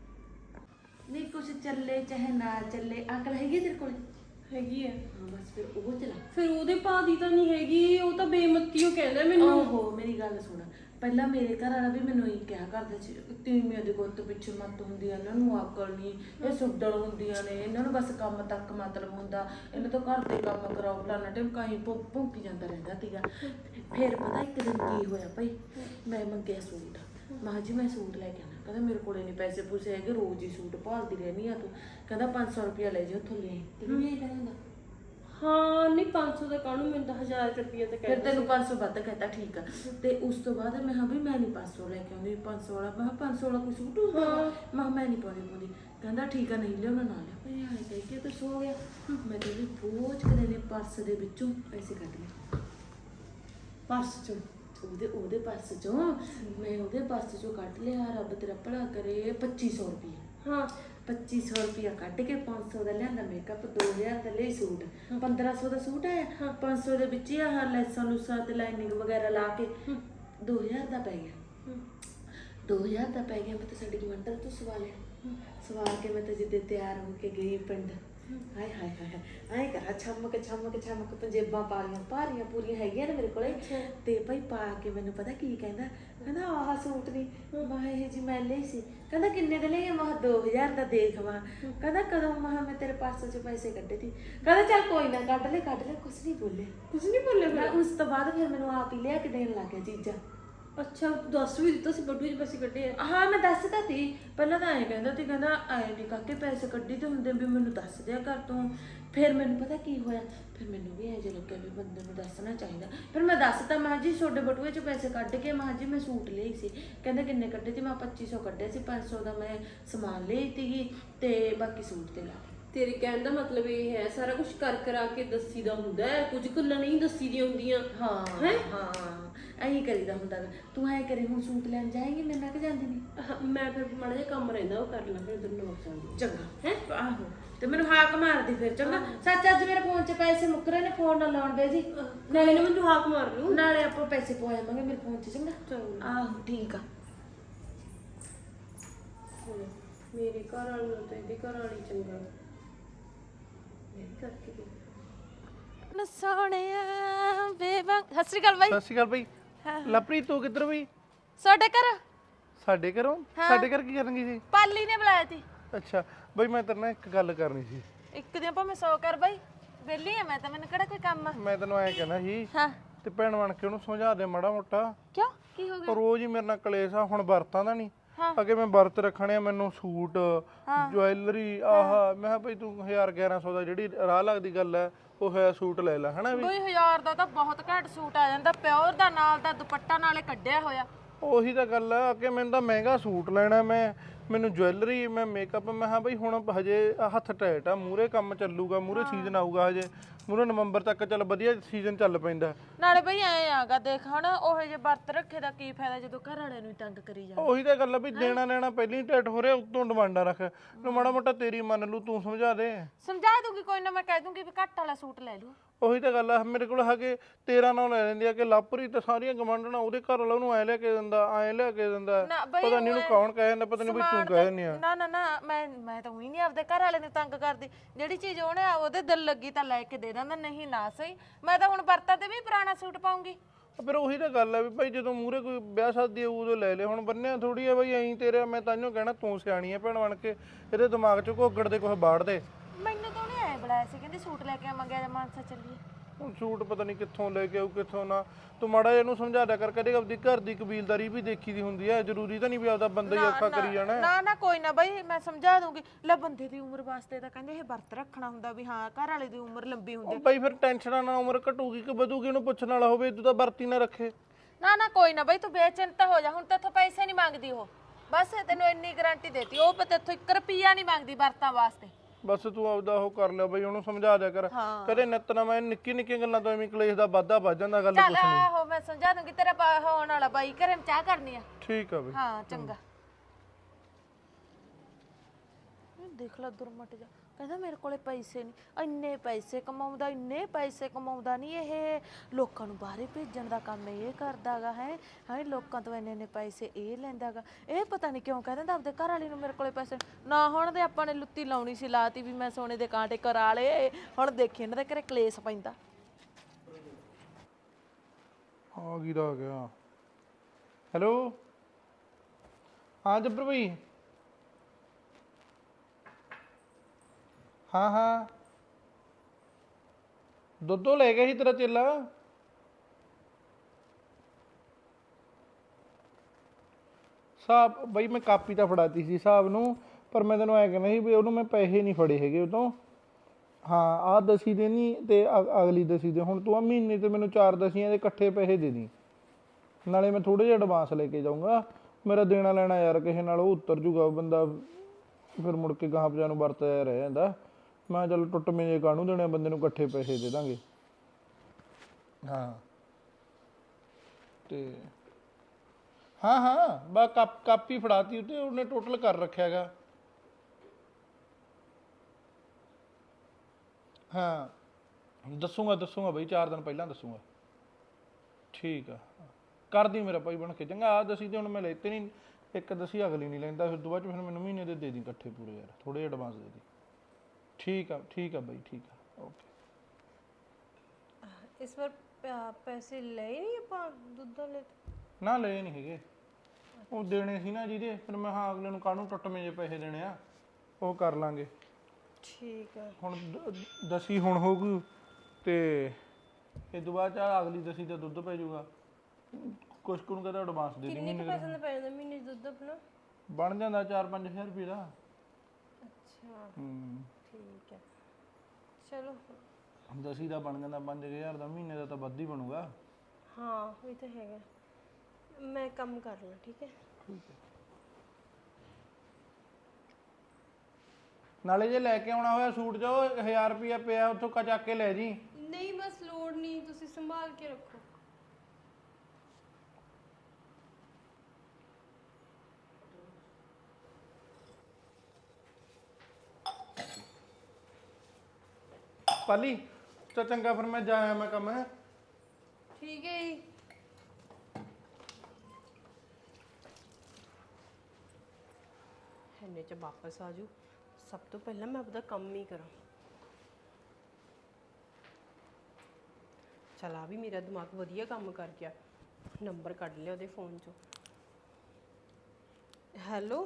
E: ਨਹੀਂ ਕੁਛ ਚੱਲੇ ਚਾਹੇ ਨਾ ਚੱਲੇ, ਅਕਲ ਹੈਗੀ ਤੇਰੇ ਕੋਲ?
A: ਹੈਗੀ ਹੈ।
E: ਹਾਂ ਬਸ ਫਿਰ ਉਹ ਚਲਾ।
A: ਫਿਰ ਉਹਦੇ ਭਾਅ ਦੀ ਤਾਂ ਨਹੀਂ ਹੈਗੀ, ਉਹ ਤਾਂ ਬੇਮੱਤੀ ਉਹ ਕਹਿੰਦਾ ਮੈਨੂੰ।
E: ਓਹੋ ਮੇਰੀ ਗੱਲ ਸੁਣ, ਪਹਿਲਾਂ ਮੇਰੇ ਘਰ ਵਾਲਾ ਵੀ ਮੈਨੂੰ ਇਹ ਕਿਹਾ ਕਰਦਾ ਸੀ, ਤੀਵੀਆਂ ਦੇ ਗੁੱਤ ਪਿੱਛੇ ਮੱਤ ਹੁੰਦੀ ਆ, ਇਹਨਾਂ ਨੂੰ ਅਕਲ ਨਹੀਂ, ਇਹ ਸੁੱਡਲ ਹੁੰਦੀਆਂ ਨੇ, ਇਹਨਾਂ ਨੂੰ ਬਸ ਕੰਮ ਤੱਕ ਮਤਲਬ ਹੁੰਦਾ, ਇਹਨਾਂ ਤੋਂ ਘਰ ਦੇ ਕੰਮ ਕਰਾਓ, ਫਲਾਣਾ ਟਿਮਕਾਈ ਭੌਂਕੀ ਜਾਂਦਾ ਰਹਿੰਦਾ ਸੀਗਾ। ਫਿਰ ਪਤਾ ਇੱਕ ਦਿਨ ਕੀ ਹੋਇਆ ਭਾਈ, ਮੈਂ ਮੰਗਿਆ ਸੂਟ, ਮੈਂ ਜੀ ਮੈਂ ਸੂਟ ਲੈ ਕੇ ਆਣਾ, ਕਹਿੰਦਾ ਮੇਰੇ ਕੋਲੇ ਨਹੀਂ ਪੈਸੇ ਪੂਸੇ ਹੈਗੇ, ਰੋਜ਼ ਹੀ ਸੂਟ ਭਾਲਦੀ ਰਹਿੰਦੀ ਆ ਤੂੰ, ਕਹਿੰਦਾ 500 ਰੁਪਇਆ ਲੈ ਜਾ ਉੱਥੋਂ ਲੈ। ਤੈਨੂੰ ਨਹੀਂ ਆਈ ਹੁੰਦਾ?
A: ਹਾਂ ਨਹੀਂ 500 ਦਾ ਕਾਹਨੂੰ, ਮੈਨੂੰ ਤਾਂ 1000 ਰੁਪਏ ਤਾਂ
E: ਫਿਰ ਤੈਨੂੰ 500 ਵੱਧ ਕਹਤਾ, ਠੀਕ ਆ। ਤੇ ਉਸ ਤੋਂ ਬਾਅਦ ਮੈਂ ਕਿਹਾ ਵੀ ਮੈਂ ਨਹੀਂ 500 ਲੈ ਕੇ ਆਉਂਦੀ, 500 ਵਾਲਾ, ਮੈਂ ਕਿਹਾ 500 ਵਾਲਾ ਕੋਈ ਸੂਟ ਹੋਊਗਾ, ਮੈਂ ਨਹੀਂ ਪਾਉਂਦੀ। ਕਹਿੰਦਾ ਠੀਕ ਆ, ਨਹੀਂ ਲਿਆਉਣਾ ਨਾ ਲਿਆ। ਮੈਂ ਆਏ ਕਹਿ ਕੇ ਤਾਂ ਸੋ ਗਿਆ। ਮੈਂ ਕਹਿੰਦੀ ਬੋਝ ਕਦੇ ਨੇ ਪਰਸ ਦੇ ਵਿੱਚੋਂ ਪੈਸੇ ਕੱਢ ਲਏ,
A: ਪਰਸ ਚੋਂ।
E: ਉਹਦੇ ਪਰਸ ਚੋਂ, ਮੈਂ ਉਹਦੇ ਪਰਸ ਚੋਂ ਕੱਢ ਲਿਆ, ਰੱਬ ਤੇਰਾ ਭਲਾ ਕਰੇ, 2500 ਰੁਪਏ।
A: ਹਾਂ
E: 2500 ਰੁਪਇਆ ਕੱਢ ਕੇ 500 ਦਾ ਲਿਆਂਦਾ ਮੇਕਅਪ, 2000 ਦਾ ਲਈ ਸੂਟ, 1500 ਦਾ ਸੂਟ ਆਇਆ, 500 ਦੇ ਵਿੱਚ ਹੀ ਆਹ ਲੈਸਾਂ ਲੂਸਾਂ ਤੇ ਲਾਈਨਿੰਗ ਵਗੈਰਾ ਲਾ ਕੇ 2000 ਦਾ ਪੈ ਗਿਆ। 2000 ਦਾ ਪੈ ਗਿਆ। ਮੈਂ ਤਾਂ ਸਾਡੀ ਗਵੰਡਰ ਤੋਂ ਸਵਾ ਲਿਆ, ਸਵਾ ਕੇ ਮੈਂ ਤਾਂ ਜਿੱਦੇ ਤਿਆਰ ਹੋ ਕੇ ਗਈ ਪਿੰਡ, ਹਾਏ ਹਾਏ ਹਾਏ ਆਏ ਕਰਾ ਛਮਕ ਛਮਕ ਛਮਕ ਪੰਜੇਬਾਂ ਪਾ ਲਈਆਂ, ਭਾਰੀਆਂ ਪੂਰੀਆਂ ਹੈਗੀਆਂ ਨੇ ਮੇਰੇ ਕੋਲੇ। ਤੇ ਭਾਈ ਪਾ ਕੇ ਮੈਨੂੰ ਪਤਾ ਕੀ ਕਹਿੰਦਾ, ਕਹਿੰਦਾ ਆਹ ਸੂਟ ਨਹੀਂ, ਮੈਂ ਇਹ ਜੀ ਮੈਂ ਲਈ ਸੀ। ਕਹਿੰਦਾ ਕਿੰਨੇ ਦੇ ਲਈ? ਮੈਂ 2000 ਦਾ ਦੇਖ ਵਾ। ਕਹਿੰਦਾ ਕਦੋਂ? ਮੈਂ ਤੇਰੇ ਪਰਸ ਚ ਪੈਸੇ ਕੱਢੇ ਸੀ। ਕਹਿੰਦਾ ਚੱਲ ਕੋਈ ਨਾ ਕੱਢ ਲੈ ਕੁਛ ਨਹੀਂ ਬੋਲੇ।
A: ਕੁਝ ਨਹੀਂ ਬੋਲੇ?
E: ਉਸ ਤੋਂ ਬਾਅਦ ਫਿਰ ਮੈਨੂੰ ਆਪ ਹੀ ਲਿਆ ਕੇ ਦੇਣ ਲੱਗ ਗਿਆ ਚੀਜ਼ਾਂ।
A: ਅੱਛਾ ਤੂੰ ਦੱਸ ਵੀ ਦਿੱਤਾ ਸੀ ਬਟੂਏ 'ਚ ਪੈਸੇ ਕੱਢੇ ਆ?
E: ਹਾਂ ਮੈਂ ਦੱਸਦਾ ਸੀ ਪਹਿਲਾਂ ਤਾਂ ਐਂ ਕਹਿੰਦਾ ਸੀ, ਕਹਿੰਦਾ ਐਂ ਨਹੀਂ ਕਾਕੇ ਪੈਸੇ ਕੱਢੀ ਤੇ ਹੁੰਦੇ ਵੀ ਮੈਨੂੰ ਦੱਸ ਦਿਆ ਕਰ ਤੂੰ। ਫਿਰ ਮੈਨੂੰ ਪਤਾ ਕੀ ਹੋਇਆ, ਫਿਰ ਮੈਨੂੰ ਵੀ ਐਂ ਜਿਹਾ ਲੱਗਿਆ ਵੀ ਬੰਦੇ ਨੂੰ ਦੱਸਣਾ ਚਾਹੀਦਾ। ਫਿਰ ਮੈਂ ਦੱਸਤਾ, ਮੈਂ ਜੀ ਤੁਹਾਡੇ ਬਟੂਏ 'ਚ ਪੈਸੇ ਕੱਢ ਕੇ, ਮੈਂ ਜੀ ਮੈਂ ਸੂਟ ਲਈ ਸੀ। ਕਹਿੰਦਾ ਕਿੰਨੇ ਕੱਢੇ ਸੀ? ਮੈਂ 2500 ਕੱਢੇ ਸੀ, 500 ਦਾ ਮੈਂ ਸਮਾਨ ਲਈ ਸੀਗੀ ਤੇ ਬਾਕੀ ਸੂਟ ਤੇ ਲਾ ਦਿੱਤੇ।
A: ਤੇਰੇ ਕਹਿਣ ਦਾ ਮਤਲਬ ਇਹ ਹੈ ਸਾਰਾ ਕੁਝ ਕਰ ਕਰਾ ਕੇ ਦੱਸੀਦਾ ਹੁੰਦਾ ਹੈ, ਕੁਝ ਗੱਲਾਂ ਨਹੀਂ ਦੱਸੀਦੀਆਂ ਹੁੰਦੀਆਂ।
E: ਹਾਂ ਹਾਂ ਐਂ ਕਰੀਦਾ ਹੁੰਦਾ ਗਾ। ਤੂੰ ਐਂ ਕਰੇ ਹੁਣ ਸੂਟ ਲੈਣ ਜਾਏਂਗੀ ਮੇਰੇ ਨਾਲ ਕਿ ਜਾਂਦੀ ਨਹੀਂ?
A: ਮੈਂ ਫਿਰ ਮਾੜਾ ਜਿਹਾ ਕੰਮ ਰਹਿੰਦਾ ਉਹ ਕਰ ਲਾਂ, ਫਿਰ ਦੋਨੋਂ ਵਕਤ ਜਾਂਦੀ।
E: ਚੰਗਾ ਹੈ ਆਹੋ, ਤੇ ਮੈਨੂੰ ਹਾਕ ਮਾਰਦੀ ਫਿਰ। ਚੰਗਾ ਸੱਚ ਅੱਜ ਮੇਰੇ ਫੋਨ 'ਚ ਪੈਸੇ ਮੁੱਕ ਰਹੇ ਨੇ, ਫੋਨ ਨਾ ਲਾਉਣ ਦੇ ਜੀ।
A: ਨਾਲੇ ਨਾ ਮੈਨੂੰ ਹਾਕ ਮਾਰ ਲੂ,
E: ਨਾਲੇ ਆਪਾਂ ਪੈਸੇ ਪਵਾਵਾਂਗੇ ਮੇਰੇ ਫੋਨ 'ਚ। ਚੰਗਾ ਆਹੋ ਠੀਕ ਆ।
A: ਮੇਰੇ ਘਰ ਵਾਲੀ ਨੂੰ ਤਾਂ ਇਹਦੀ ਘਰ ਵਾਲੀ ਚੰਗਾ ਮੈਂ ਕਰਕੇ ਦੇ।
D: ਨ ਸੋਹਣਿਆ ਬੇਬਾ। ਸਤਿ ਸ਼੍ਰੀ ਅਕਾਲ ਬਾਈ।
B: ਸਤਿ ਸ਼੍ਰੀ ਅਕਾਲ ਬਈ। ਲਵਪ੍ਰੀਤ ਤੂੰ ਕਿੱਧਰ ਬਈ?
D: ਸਾਡੇ ਘਰ
B: ਸਾਡੇ ਘਰੋਂ? ਸਾਡੇ ਘਰ ਕੀ ਕਰਨਗੀ ਸੀ?
D: ਪਾਲੀ ਨੇ ਬੁਲਾਇਆ ਸੀ।
B: ਅੱਛਾ ਬਈ ਮੈਂ ਤੇਰੇ ਨਾਲ ਇੱਕ ਗੱਲ ਕਰਨੀ ਸੀ।
D: ਇੱਕ ਦਿਨ ਭਾਵੇਂ 100 ਕਰ ਬਾਈ, ਵਿਹਲੀ ਆ ਮੈਂ ਤਾਂ, ਮੈਨੂੰ ਕਿਹੜਾ ਕੋਈ ਕੰਮ ਆ।
B: ਮੈਂ ਤੈਨੂੰ ਐਂ ਕਹਿਣਾ ਸੀ
D: ਹਾਂ
B: ਤੇ ਭੈਣ ਬਣ ਕੇ ਉਹਨੂੰ ਸਮਝਾ ਦੇ ਮਾੜਾ ਮੋਟਾ।
D: ਕਿਉਂ ਕੀ ਹੋ ਗਿਆ?
B: ਉਹ ਰੋਜ਼ ਹੀ ਮੇਰੇ ਨਾਲ ਕਲੇਸ਼ ਆ, ਹੁਣ ਵਰਤਾਂ ਦਾ ਨਹੀਂ। ਅੱਗੇ ਮੈਂ ਵਰਤ ਰੱਖਣੇ ਆ, ਮੈਨੂੰ ਸੂਟ ਜੁਐਲਰੀ ਆਹ, ਮੈਂ ਕਿਹਾ ਭਈ ਤੂੰ 1000-1100 ਦਾ ਜਿਹੜੀ ਰਾਹ ਲੱਗਦੀ ਗੱਲ ਹੈ ਉਹ ਹੋਇਆ ਸੂਟ ਲੈ ਲੈ, ਹਨਾ ਵੀ।
D: 2000 ਦਾ ਤਾਂ ਬਹੁਤ ਘੱਟ ਸੂਟ ਆ ਜਾਂਦਾ, ਪਿਓਰ ਦਾ, ਨਾਲ ਦਾ ਦੁਪੱਟਾ ਨਾਲੇ ਕੱਢਿਆ ਹੋਇਆ।
B: ਉਹੀ ਤਾਂ ਗੱਲ ਆ ਕਿ ਮੈਨੂੰ ਤਾਂ ਮਹਿੰਗਾ ਸੂਟ ਲੈਣਾ, ਮੈਨੂੰ ਜੁਐਲਰੀ, ਮੈਂ ਮੇਕਅਪ। ਮੈਂ ਹਾਂ ਬਈ ਹੁਣ ਹਜੇ ਹੱਥ ਟੈਟ ਆ, ਮੂਰੇ ਕੰਮ ਚੱਲੂਗਾ, ਮੂਰੇ ਸੀਜ਼ਨ ਆਊਗਾ, ਹਜੇ ਮੂਰੇ ਨਵੰਬਰ ਤੱਕ ਚੱਲ ਵਧੀਆ ਸੀਜ਼ਨ ਚੱਲ ਪੈਂਦਾ।
D: ਨਾਲੇ ਬਈ ਐ ਆਗਾ ਦੇਖ ਹੁਣ ਉਹ ਜੇ ਵਰਤ ਰੱਖੇ ਦਾ ਕੀ ਫਾਇਦਾ ਜਦੋਂ ਘਰ ਵਾਲਿਆਂ ਨੂੰ ਤੰਗ ਕਰੀ ਜਾਂਦੇ।
B: ਉਹੀ ਤਾਂ ਗੱਲ ਆ ਵੀ ਦੇਣਾ ਲੈਣਾ ਪਹਿਲਾਂ ਹੀ ਟੈਟ ਹੋ ਰਿਹਾ, ਉਤੋਂ ਡਿਮਾਂਡਾਂ ਰੱਖ। ਨੂੰ ਮਾੜਾ ਮੋਟਾ ਤੇਰੀ ਮੰਨ ਲੂ, ਤੂੰ ਸਮਝਾ ਦੇ।
D: ਸਮਝਾ ਦੂੰਗੀ ਕੋਈ ਨਾ, ਮੈਂ ਕਹਿ ਦੂੰਗੀ ਵੀ ਘੱਟ ਵਾਲਾ ਸੂਟ ਲੈ ਲੂ।
B: ਉਹੀ ਤਾਂ ਗੱਲ ਆ, ਮੇਰੇ ਕੋਲ ਹੈਗੇ 13 ਨਾਲ ਲੈ ਲੈਂਦੀ ਆ ਕਿ ਲਾਪਰੀ ਤਾਂ ਸਾਰੀਆਂ ਗਵਾਂਢਣਾ ਉਹਦੇ ਘਰ ਵਾਲਾ ਉਹਨੂੰ ਐ ਲਿਆ ਕੇ ਦਿੰਦਾ, ਐ ਲਿਆ ਕੇ ਦਿੰਦਾ। ਪਤਾ ਨਹੀਂ ਉਹਨੂੰ ਕੌਣ ਕਹਿ ਜਾਂਦਾ, ਪਤਾ ਨਹੀਂ ਬਈ ਤੂੰ ਕਹਿ ਦਿੰਦੀ ਆ।
D: ਨਾ ਨਾ ਨਾ ਮੈਂ ਤਾਂ ਉਹੀ ਨਹੀਂ ਆਪਦੇ ਘਰ ਵਾਲੇ ਨੂੰ ਤੰਗ ਕਰਦੀ। ਜਿਹੜੀ ਚੀਜ਼ ਉਹਨੇ ਉਹਦੇ ਦਿਲ ਲੱਗੀ ਤਾਂ ਲੈ ਕੇ ਦੇ ਦਿੰਦਾ, ਨਹੀਂ ਨਾ ਸਹੀ। ਮੈਂ ਤਾਂ ਹੁਣ ਵਰਤਾਂ ਤੇ ਵੀ ਪੁਰਾਣਾ ਸੂਟ ਪਾਉਂਗੀ।
B: ਫਿਰ ਉਹੀ ਤਾਂ ਗੱਲ ਆ ਵੀ ਭਾਈ ਜਦੋਂ ਮੂਹਰੇ ਕੋਈ ਵਿਆਹ ਸ਼ਾਦੀ ਆਊ ਉਦੋਂ ਲੈ ਲੈ, ਹੁਣ ਬੰਨਿਆ ਥੋੜੀ ਆ ਬਈ ਐਂ ਤੇਰੇ। ਮੈਂ ਤਾਂਹੀਓ ਕਹਿਣਾ ਤੂੰ ਸਿਆਣੀ ਆ ਭੈਣ ਬਣ ਕੇ, ਇਹਦੇ ਦਿਮਾਗ 'ਚ ਘੋਗੜ ਦੇ ਕੁਛ ਬਾੜ ਦੇ।
D: ਮੈਨੂੰ ਤਾਂ ਉਹਨੇ ਐ ਬੁਲਾਇਆ ਸੀ, ਕਹਿੰਦੀ ਸੂਟ ਲੈ ਕੇ ਆਵਾਂਗੇ, ਅੱਜ ਮਾਨਸਾ ਚੱਲੀਏ।
B: ਹੁਣ ਸੂਟ ਪਤਾ ਨਹੀਂ ਕਿੱਥੋਂ ਲੈ ਕੇ ਆਊ ਕਿੱਥੋਂ ਨਾ। ਤੂੰ ਮਾੜਾ ਜਿਹਾ ਇਹਨੂੰ ਸਮਝਾ ਦਿਆ ਕਰ, ਕਦੇ ਆਪਦੀ ਘਰ ਦੀ ਕਬੀਲਦਾਰੀ ਵੀ ਦੇਖੀ ਦੀ ਹੁੰਦੀ ਹੈ। ਜ਼ਰੂਰੀ ਤਾਂ ਨਹੀਂ ਵੀ ਆਪਦਾ ਬੰਦਾ ਹੀ ਔਖਾ ਕਰੀ ਜਾਣਾ।
D: ਨਾ ਨਾ ਕੋਈ ਨਾ ਬਈ, ਮੈਂ ਸਮਝਾ ਦੂੰਗੀ। ਲੈ ਬੰਦੇ ਦੀ ਉਮਰ ਵਾਸਤੇ ਤਾਂ ਕਹਿੰਦੇ ਇਹ ਵਰਤ ਰੱਖਣਾ ਹੁੰਦਾ ਵੀ ਹਾਂ ਘਰ ਵਾਲੇ ਦੀ ਉਮਰ ਲੰਬੀ ਹੁੰਦੀ।
B: ਬਈ ਫਿਰ ਟੈਨਸ਼ਨਾਂ ਨਾਲ ਉਮਰ ਘਟੂਗੀ ਕਿ ਵਧੂਗੀ, ਇਹਨੂੰ ਪੁੱਛਣ ਵਾਲਾ ਹੋਵੇ, ਤੂੰ ਤਾਂ ਵਰਤੀ ਨਾ ਰੱਖੇ।
D: ਨਾ ਨਾ ਕੋਈ ਨਾ ਬਈ, ਤੂੰ ਬੇਚਿੰਤਾ ਹੋ ਜਾ। ਹੁਣ ਤੇਥੋਂ ਪੈਸੇ ਨਹੀਂ ਮੰਗਦੀ ਉਹ।
E: ਬਸ ਤੈਨੂੰ ਇੰਨੀ ਗਾਰੰਟੀ ਦੇਤੀ, ਉਹ ਪਤਾ ਇੱਥੋਂ 1 ਰੁਪਿਆ ਨਹੀਂ ਮੰਗਦੀ ਵਰਤਾਂ ਵਾਸਤੇ।
B: ਬਸ ਤੂੰ ਆਪਦਾ ਉਹ ਕਰ ਲਿਆ ਬਈ, ਉਹਨੂੰ ਸਮਝਾ ਦਿਆ ਕਰ। ਕਦੇ ਨਿੱਤ ਨਾ ਮੈਂ ਨਿੱਕੀ ਨਿੱਕੀਆਂ ਗੱਲਾਂ ਤੋਂ ਐਵੇਂ ਕਲੇਸ਼ ਦਾ ਵਾਧਾ ਵੱਜ ਜਾਂਦਾ, ਗੱਲ
E: ਚੱਲ
B: ਕੁਛ ਨਹੀਂ।
E: ਆਹੋ ਮੈਂ ਸਮਝਾ ਦੂੰਗੀ, ਤੇਰਾ ਹੋਣ ਵਾਲਾ ਬਾਈ ਘਰੇ ਚਾਹ ਕਰਨੀ ਆ।
B: ਠੀਕ ਆ ਬਈ।
E: ਹਾਂ ਚੰਗਾ। ਦੇਖ ਲੈ ਦੁਰਮਟ ਜਾ, ਕਹਿੰਦਾ ਮੇਰੇ ਕੋਲੇ ਪੈਸੇ ਨਹੀਂ, ਇੰਨੇ ਪੈਸੇ ਕਮਾਉਂਦਾ, ਇੰਨੇ ਪੈਸੇ ਕਮਾਉਂਦਾ ਨਹੀਂ ਇਹ, ਲੋਕਾਂ ਨੂੰ ਬਾਹਰੇ ਭੇਜਣ ਦਾ ਕੰਮ ਇਹ ਕਰਦਾਗਾ ਹੈ ਲੋਕਾਂ ਤੋਂ ਇੰਨੇ ਪੈਸੇ ਇਹ ਲੈਂਦਾਗਾ। ਇਹ ਪਤਾ ਨਹੀਂ ਕਿਉਂ ਕਹਿੰਦਾ ਆਪਦੇ ਘਰ ਵਾਲੀ ਨੂੰ ਮੇਰੇ ਕੋਲੇ ਪੈਸੇ ਨਾ ਹੋਣ ਦੇ। ਆਪਾਂ ਨੇ ਲੁੱਤੀ ਲਾਉਣੀ ਸੀ, ਲਾਤੀ ਵੀ ਮੈਂ ਸੋਨੇ ਦੇ ਕਾਂਟੇ ਕਰਾ ਲਏ, ਹੁਣ ਦੇਖੀ ਇਹਨਾਂ ਦੇ ਘਰੇ ਕਲੇਸ਼ ਪੈਂਦਾ।
B: ਆ ਕੀ ਦਾ ਆ ਗਿਆ? ਹੈਲੋ, ਹਾਂ ਜੱਬਰ ਭਾਈ। ਹਾਂ ਹਾਂ, ਦੁੱਧੋ ਲੈ ਗਿਆ ਸੀ ਤੇਰਾ ਚੇਲਾ। ਸਾਹਿਬ ਬਈ ਮੈਂ ਕਾਪੀ ਤਾਂ ਫੜਾਤੀ ਸੀ ਸਾਹਿਬ ਨੂੰ, ਪਰ ਮੈਂ ਤੈਨੂੰ ਐ ਕਹਿੰਦਾ ਸੀ ਵੀ ਉਹਨੂੰ ਮੈਂ ਪੈਸੇ ਨਹੀਂ ਫੜੇ ਹੈਗੇ ਉਦੋਂ। ਹਾਂ ਆਹ ਦਸੀ ਦੇ ਨਹੀਂ ਤੇ ਅਗਲੀ ਦਸੀ ਦੇ। ਹੁਣ ਤੂੰ ਆ ਮਹੀਨੇ ਤੇ ਮੈਨੂੰ 4 ਦਸੀਆਂ ਦੇ ਇਕੱਠੇ ਪੈਸੇ ਦੇ ਦੀ, ਨਾਲੇ ਮੈਂ ਥੋੜੇ ਜਿਹਾ ਐਡਵਾਂਸ ਲੈ ਕੇ ਜਾਊਂਗਾ। ਮੇਰਾ ਦੇਣਾ ਲੈਣਾ ਯਾਰ ਕਿਸੇ ਨਾਲ ਉਹ ਉਤਰ ਜੂਗਾ ਬੰਦਾ, ਫਿਰ ਮੁੜ ਕੇ ਗਾਹਾਂ ਪਜਾ ਨੂੰ ਵਰਤਿਆ ਰਹਿ ਜਾਂਦਾ। ਮੈਂ ਚੱਲ ਟੁੱਟਵੇਂ ਜੇ ਕਾਹਨੂੰ ਦੇਣੇ, ਬੰਦੇ ਨੂੰ ਇਕੱਠੇ ਪੈਸੇ ਦੇ ਦਾਂਗੇ। ਹਾਂ ਤੇ ਹਾਂ ਹਾਂ ਬਾ ਕਾਪੀ ਫੜਾਤੀ ਉੱਤੇ, ਉਹਨੇ ਟੋਟਲ ਕਰ ਰੱਖਿਆ ਗਾ। ਹਾਂ ਦੱਸੂਗਾ ਬਈ, 4 ਦਿਨ ਪਹਿਲਾਂ ਦੱਸੂਗਾ। ਠੀਕ ਆ, ਕਰਦੀ ਮੇਰਾ ਭਾਈ ਬਣ ਕੇ ਚੰਗਾ। ਆ ਦਸੀ ਤੇ ਹੁਣ ਮੈਂ ਲੈਤੇ ਨਹੀਂ, ਇੱਕ ਦਸੀ ਅਗਲੀ ਨਹੀਂ ਲੈਂਦਾ, ਫਿਰ ਤੋਂ ਬਾਅਦ ਫਿਰ ਮੈਨੂੰ ਮਹੀਨੇ ਦੇ ਦੀ ਇਕੱਠੇ ਪੂਰੇ ਯਾਰ, ਥੋੜੇ ਐਡਵਾਂਸ ਦੇ ਦੀ। ਠੀਕ ਆ ਬਾਈ, ਠੀਕ ਆ, ਓਕੇ।
A: ਇਸ ਵਾਰ ਪੈਸੇ ਲਏ ਨਹੀਂ ਆਪਾਂ ਦੁੱਧ ਵਾਲੇ?
B: ਨਾ ਲਏ ਨਹੀਂ ਹੈਗੇ, ਉਹ ਦੇਣੇ ਸੀ ਨਾ ਜਿਹਦੇ, ਫਿਰ ਮੈਂ ਹਾਂ ਅਗਲੇ ਨੂੰ ਕਾਹਨੂੰ ਟੁੱਟਵੇਂ ਜੇ ਪੈਸੇ ਦੇਣੇ ਆ, ਉਹ ਕਰ ਲਾਂਗੇ।
A: ਠੀਕ ਆ।
B: ਹੁਣ ਦਸੀ ਹੁਣ ਹੋਊਗੀ ਤੇ ਇਹ ਤੋਂ ਬਾਅਦ ਆ ਅਗਲੀ ਦਸੀ ਦਾ ਦੁੱਧ ਪੈ ਜਾਊਗਾ। ਕੁਛ ਕੁ ਨੂੰ ਕਹਿੰਦਾ ਐਡਵਾਂਸ ਦੇ ਦੀ।
A: ਕਿੰਨੇ ਕੁ ਪੈਸੇ ਦਾ ਪੈ ਜਾਂਦਾ ਮਹੀਨੇ 'ਚ ਦੁੱਧ ਆਪਣਾ?
B: ਬਣ ਜਾਂਦਾ 4-5 ਹਜ਼ਾਰ ਰੁਪਏ ਦਾ।
A: ਅੱਛਾ ਠੀਕ ਹੈ, ਚਲੋ।
B: ਦਸੀ ਦਾ ਬਣ ਜਾਂਦਾ 5000 ਦਾ, ਮਹੀਨੇ ਦਾ ਤਾਂ ਵੱਧ ਹੀ ਬਣੂਗਾ।
A: ਹਾਂ ਇਹ ਤਾਂ ਹੈਗਾ, ਮੈਂ ਕੰਮ ਕਰ ਲਾਂ। ਠੀਕ ਹੈ।
B: ਨਾਲੇ ਜੇ ਲੈ ਕੇ ਆਉਣਾ ਹੋਇਆ ਸੂਟ ਜੋ 1000 ਰੁਪਇਆ ਪਿਆ ਉੱਥੋਂ ਚੱਕ ਕੇ ਲੈ ਜੀ।
A: ਨਹੀਂ ਬਸ ਲੋੜ ਨਹੀਂ, ਤੁਸੀਂ ਸੰਭਾਲ ਕੇ ਰੱਖੋ।
B: ਪਾਲੀ ਤਾਂ ਚੰਗਾ, ਫਿਰ ਮੈਂ ਜਾਇਆ, ਮੈਂ ਕੰਮ ਹੈ।
A: ਠੀਕ ਹੈ ਜੀ। ਇੰਨੇ ਚ ਵਾਪਸ ਆ ਜੂ, ਸਭ ਤੋਂ ਪਹਿਲਾਂ ਮੈਂ ਆਪਦਾ ਕੰਮ ਹੀ ਕਰਾਂ। ਚਲ ਆ ਵੀ ਮੇਰਾ ਦਿਮਾਗ ਵਧੀਆ ਕੰਮ ਕਰ ਗਿਆ। ਨੰਬਰ ਕੱਢ ਲਿਆ ਉਹਦੇ ਫੋਨ ਚੋਂ। ਹੈਲੋ,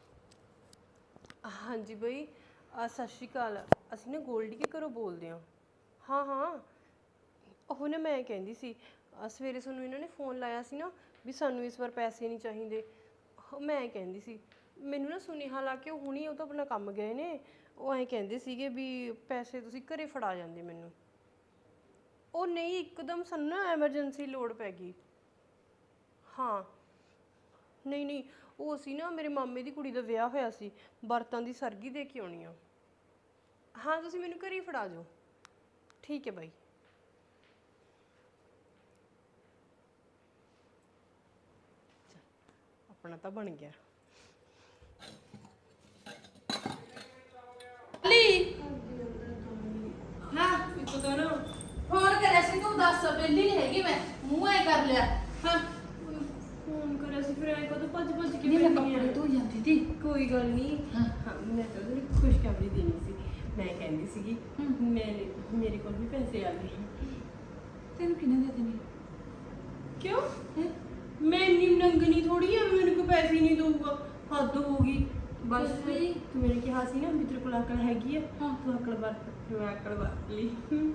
A: ਹਾਂਜੀ ਬਈ, ਸਤਿ ਸ਼੍ਰੀ ਅਕਾਲ। ਅਸੀਂ ਨਾ ਗੋਲਡੀ ਕੇ ਘਰੋਂ ਬੋਲਦੇ ਹਾਂ। ਹਾਂ ਉਹ ਨਾ ਮੈਂ ਕਹਿੰਦੀ ਸੀ, ਸਵੇਰੇ ਸਾਨੂੰ ਇਹਨਾਂ ਨੇ ਫੋਨ ਲਾਇਆ ਸੀ ਨਾ ਵੀ ਸਾਨੂੰ ਇਸ ਵਾਰ ਪੈਸੇ ਨਹੀਂ ਚਾਹੀਦੇ। ਮੈਂ ਕਹਿੰਦੀ ਸੀ, ਮੈਨੂੰ ਨਾ ਸੁਨੇਹਾ ਲਾ ਕੇ ਉਹ ਹੁਣੀ ਉਹ ਤਾਂ ਆਪਣਾ ਕੰਮ ਗਏ ਨੇ, ਉਹ ਐਂ ਕਹਿੰਦੇ ਸੀਗੇ ਵੀ ਪੈਸੇ ਤੁਸੀਂ ਘਰੇ ਫੜਾ ਜਾਂਦੇ ਮੈਨੂੰ। ਉਹ ਨਹੀਂ, ਇੱਕਦਮ ਸਾਨੂੰ ਨਾ ਐਮਰਜੈਂਸੀ ਲੋੜ ਪੈ ਗਈ। ਹਾਂ ਨਹੀਂ ਉਹ ਅਸੀਂ ਨਾ ਮੇਰੇ ਮਾਮੇ ਦੀ ਕੁੜੀ ਦਾ ਵਿਆਹ ਹੋਇਆ ਸੀ, ਬਰਤਾਂ ਦੀ ਸਰਗੀ ਦੇ ਕੇ ਆਉਣੀ ਆ। ਹਾਂ ਤੁਸੀਂ ਮੈਨੂੰ ਘਰੇ ਹੀ ਫੜਾ ਜਾਓ। ਠੀਕ ਹੈ ਬਾਈ। ਆਪਣਾ ਤਾਂ ਬਣ ਗਿਆ।
D: ਹਾਂ ਫੋਨ ਕਰਿਆ ਸੀ ਤੂੰ, ਦੱਸ ਬੇਲੀ ਨਹੀਂ ਹੈਗੀ ਮੈਂ, ਮੂੰਹ ਐ ਕਰ ਲਿਆ। ਹਾਂ
A: ਫੋਨ ਕਰਿਆ ਸੀ, ਫਿਰ ਐਂ ਕਦੋਂ ਭੱਜ ਕੇ
D: ਨਹੀਂ ਮੈਂ ਕੱਪੜੇ ਧੋ ਜਾਂਦੀ ਤੀ।
A: ਕੋਈ ਗੱਲ ਨਹੀਂ। ਹਾਂ ਮੈਂ ਤਾਂ ਉਹਨੂੰ ਖੁਸ਼ਖਬਰੀ ਦੇਣੀ ਸੀ। ਮੈਂ ਕਹਿੰਦੀ ਸੀਗੀ ਮੇਰੇ ਕੋਲ ਵੀ ਪੈਸੇ ਆ ਗਏ।
D: ਤੈਨੂੰ ਕਿਹਨੇ ਦੇ ਦੇਣੇ?
A: ਕਿਉਂ? ਮੈਂ ਇੰਨੀ ਨੰਗਣੀ ਥੋੜੀ ਆ ਮੈਨੂੰ ਕੋਈ ਪੈਸੇ ਹੀ ਨਹੀਂ ਦਊਗਾ, ਹੱਦ ਹੋ ਗਈ। ਬਸ ਤੂੰ ਮੈਨੂੰ ਕਿਹਾ ਸੀ ਨਾ ਵੀ ਤੇਰੇ ਕੋਲ ਅਕਲ ਹੈਗੀ ਆ, ਤੂੰ ਅਕਲ ਵਰਤ। ਮੈਂ ਅਕਲ ਵਰਤ ਲਈ।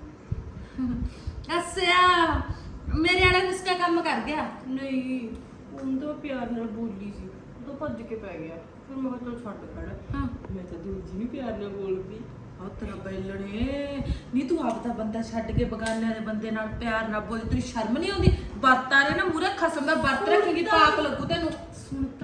D: ਅੱਛਾ ਮੇਰੇ ਵਾਲਾ ਨੁਸਖਾ ਕੰਮ ਕਰ ਗਿਆ।
A: ਨਹੀਂ ਉਹਨੂੰ ਤਾਂ ਪਿਆਰ ਨਾਲ ਬੋਲੀ ਸੀ, ਉਹ ਤਾਂ ਭੱਜ ਕੇ ਪੈ ਗਿਆ। ਫਿਰ ਮੈਂ ਕਿਹਾ ਚੱਲ ਛੱਡ ਖੜਾ। ਮੈਂ ਤਾਂ ਦੂਜੀ ਨੂੰ ਪਿਆਰ ਨਾਲ ਬੋਲਦੀ।
D: ਉਹ ਤੇਰਾ ਬੈਲਣੇ ਨਹੀਂ, ਤੂੰ ਆਪ ਦਾ ਬੰਦਾ ਛੱਡ ਕੇ ਬਗਾਨਿਆਂ ਦੇ ਬੰਦੇ ਨਾਲ ਪਿਆਰ ਨਾਲ ਬੋਲ, ਤੇਰੀ ਸ਼ਰਮ ਨਹੀਂ ਆਉਂਦੀ? ਵਰਤਾਂ ਰੇ ਨਾ ਮੂਰੇ ਖਸਮ ਦਾ ਵਰਤ ਰੱਖੇਗੀ, ਪਾਪ ਲੱਗੂ ਤੈਨੂੰ।
A: ਸੁਣ ਤਾਂ ਲੈ ਪੂਰੀ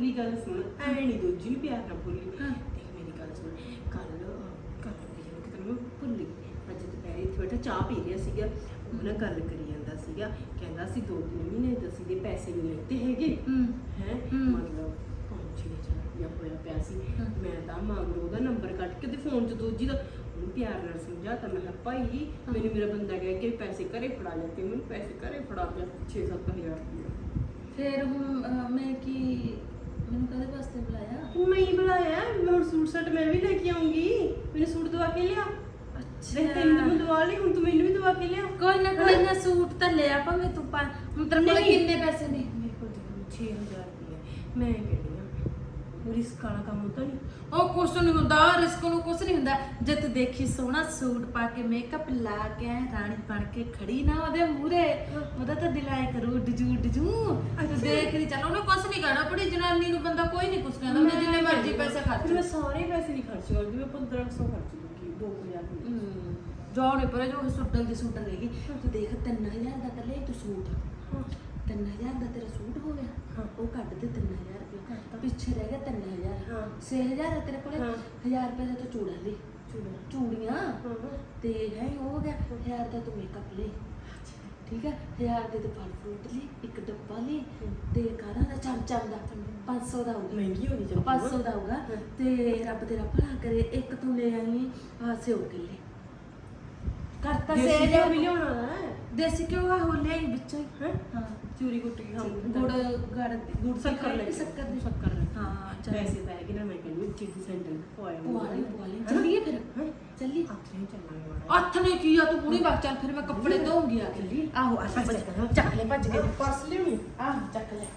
A: ਮੇਰੀ ਗੱਲ ਸੁਣ, ਐ ਨਹੀਂ ਦੂਜੀ ਨੂੰ ਪਿਆਰ ਨਾਲ ਬੋਲੀ। ਦੇਖ ਮੇਰੀ ਗੱਲ ਸੁਣ, ਕੱਲ ਕਿਤੇ ਮੈਂ ਭੁੱਲ ਗਈ। ਅੱਜ ਦੁਪਹਿਰੇ ਇੱਥੇ ਬੈਠਾ ਚਾਹ ਪੀ ਰਿਹਾ ਸੀਗਾ, ਉਹ ਨਾ ਗੱਲ ਕਰੀ ਜਾਂਦਾ ਸੀਗਾ, ਕਹਿੰਦਾ ਸੀ 2-3 ਮਹੀਨੇ ਦਸੀ ਦੇ ਪੈਸੇ ਨਹੀਂ ਲੈਤੇ ਹੈਗੇ ਹੈ, ਮਤਲਬ 5-6 ਹਜ਼ਾਰ ਰੁਪਇਆ ਹੋਇਆ ਪਿਆ ਸੀ। ਮੈਂ ਤਾਂ ਮੰਗ ਉਹਦਾ ਨੰਬਰ ਕੱਢ ਕੇ ਤੇ ਫੋਨ 'ਚ ਦੋਜੀ ਦਾ ਉਹਨੂੰ ਪਿਆਰ ਨਾਲ ਸਮਝਾਤਾ। ਮੈਂ ਕਿਹਾ ਭਾਈ ਮੈਨੂੰ ਮੇਰਾ ਬੰਦਾ ਕਹਿ ਕੇ ਪੈਸੇ ਘਰੇ ਫੜਾ ਲੈਤੇ, ਮੈਨੂੰ ਪੈਸੇ ਘਰੇ ਫੜਾ ਪਿਆ 6-7 ਹਜ਼ਾਰ ਰੁਪਇਆ।
E: ਫਿਰ ਹੁਣ ਮੈਂ ਕੀ, ਮੈਨੂੰ ਕਦੇ ਵਾਸਤੇ ਬੁਲਾਇਆ?
A: ਮੈਂ ਹੀ ਬੁਲਾਇਆ, ਮੈਂ ਹੁਣ ਸੂਟ ਸੈਟ ਮੈਂ ਵੀ ਲੈ ਕੇ ਆਉਂਗੀ, ਮੈਨੂੰ ਸੂਟ ਦਵਾ ਕੇ ਲਿਆ। ਦੇਖ ਤੈਨੂੰ ਤਾਂ ਦਵਾ ਲਈ, ਹੁਣ ਤੂੰ ਮੈਨੂੰ ਵੀ ਦਵਾ ਕੇ ਲਿਆ।
E: ਕੋਈ ਨਾ ਸੂਟ ਤਾਂ ਲੈ ਆ ਭਾਵੇਂ ਤੂੰ ਹੁਣ ਤੇਰੇ ਕੋਲ ਕਿੰਨੇ ਪੈਸੇ ਨੇ?
A: ਮੇਰੇ ਕੋਲ 6000 ਰੁਪਏ। ਮੈਂ ਕਹਿੰਦੀ ਆ ਰਿਸਕ ਵਾਲਾ ਕੰਮ ਹੁੰਦਾ ਨਹੀਂ।
E: ਉਹ ਕੁਛ ਨਹੀਂ ਹੁੰਦਾ, ਰਿਸਕ ਨੂੰ ਕੁਛ ਨਹੀਂ ਹੁੰਦਾ। ਜੇ ਤੂੰ ਦੇਖੀ ਸੋਹਣਾ ਸੂਟ ਪਾ ਕੇ ਮੇਕਅਪ ਲਾ ਕੇ ਰਾਣੀ ਬਣ ਕੇ ਖੜੀ ਨਾ ਉਹਦੇ ਮੂਹਰੇ, ਉਹਦਾ ਤਾਂ ਦਿਲ ਆਏ ਕਰੂ ਡਜੂ ਤੂੰ ਦੇਖ ਰਹੀ ਚੱਲ, ਉਹਨੇ ਕੁਛ ਨਹੀਂ ਕਹਿਣਾ। ਬੜੀ ਜਨਾਨੀ ਨੂੰ ਬੰਦਾ ਕੋਈ ਨਹੀਂ ਕੁਛ ਕਹਿੰਦਾ, ਉਹਨੇ ਜਿੰਨੇ ਮਰਜ਼ੀ ਪੈਸੇ ਖਰਚ।
A: ਮੈਂ ਸਾਰੇ ਪੈਸੇ ਨਹੀਂ ਖਰਚ ਕਰਦੀ, ਮੈਂ 1500 ਖਰਚ ਦੂੰਗੀ, 2000
E: ਜਾਣੇ ਪਰੇ ਜੋ ਸੁੱਟਲ ਦੀ ਸੂਟ ਰਹੇਗੀ। ਤੂੰ ਦੇਖ 3000 ਦਾ ਕੱਲੇ ਤੂੰ ਸੂਟ, 3000 ਦਾ ਤੇਰਾ ਸੂਟ ਹੋ ਗਿਆ, ਉਹ ਕੱਢ ਦੇ 3000 ਰੁਪਏ, ਪਿੱਛੇ ਰਹਿ ਗਿਆ 3000। 6000 ਹੈ ਤੇਰੇ ਕੋਲੇ, 1000 ਰੁਪਏ ਦਾ ਤੂੰ ਚੂੜਾ ਲਈ, ਚੂੜੀਆਂ ਤੇ ਹੈ ਉਹ ਹੋ ਗਿਆ। 1000 ਦਾ ਤੂੰ ਮੇਕਅਪ ਲਈ, ਠੀਕ ਹੈ। 1000 ਦੇ ਤੂੰ ਫਲ ਫਰੂਟ ਲਈ, ਇੱਕ ਡੱਬਾ ਲਈ ਤੇ ਕਾਰਾਂ ਦਾ ਚਮਚਮ ਦਾ 500 ਦਾ ਹੋਊਗਾ,
A: ਮਹਿੰਗੀ ਹੋਣੀ ਚਾਹੀਦੀ
E: 500 ਦਾ ਹੋਊਗਾ। ਤੇ ਰੱਬ ਤੇਰਾ ਭਲਾ ਕਰੇ, ਇੱਕ ਤੂੰ ਲੈ ਆਈ ਸਿਓ ਕਿੱਲੇ ਕਰਤਾ।
A: ਦੇਸੀ
E: ਸੇ
A: ਘਿਓ ਵੀ ਲਿਆਉਣਾ ਹੈ,
E: ਦੇਸੀ ਘਿਓ ਆ ਹੋ ਲਿਆਈ ਵਿੱਚੋਂ ਹੀ।
A: ਹਾਂ ਚੂਰੀ ਕੁੱਟੀ ਖਾਊਂਗੀ,
E: ਗੁੜ
A: ਸ਼ੱਕਰ ਲੈ
E: ਸ਼ੱਕਰ ਦੀ
A: ਸ਼ੱਕਰ ਲੈ।
E: ਹਾਂ ਚੱਲ
A: ਪੈਸੇ ਪੈ ਗਏ ਨਾ, ਮੈਂ ਕਹਿੰਦੀ ਚੀਜ਼ੀ ਸੈਂਟਰ ਪਵਾਇਆ
E: ਪਵਾ ਲਈ ਚੱਲੀਏ ਫਿਰ ਚੱਲੀ।
A: ਹੱਥ ਨਹੀਂ ਚੱਲਾਂਗੇ ਮਾੜਾ।
E: ਹੱਥ ਨੇ ਕੀ ਆ ਤੂੰ ਪੂਰੀ ਬਾਤ ਚੱਲ, ਫਿਰ ਮੈਂ ਕੱਪੜੇ ਧੋਉਂਗੀ ਆ ਕੇ। ਆਹੋ ਆ ਚੱਕ ਲੈ ਭੱਜ ਕੇ
A: ਪਰਸ ਲਿਆਉਣੀ।
E: ਆਹ ਚੱਕ ਲੈ।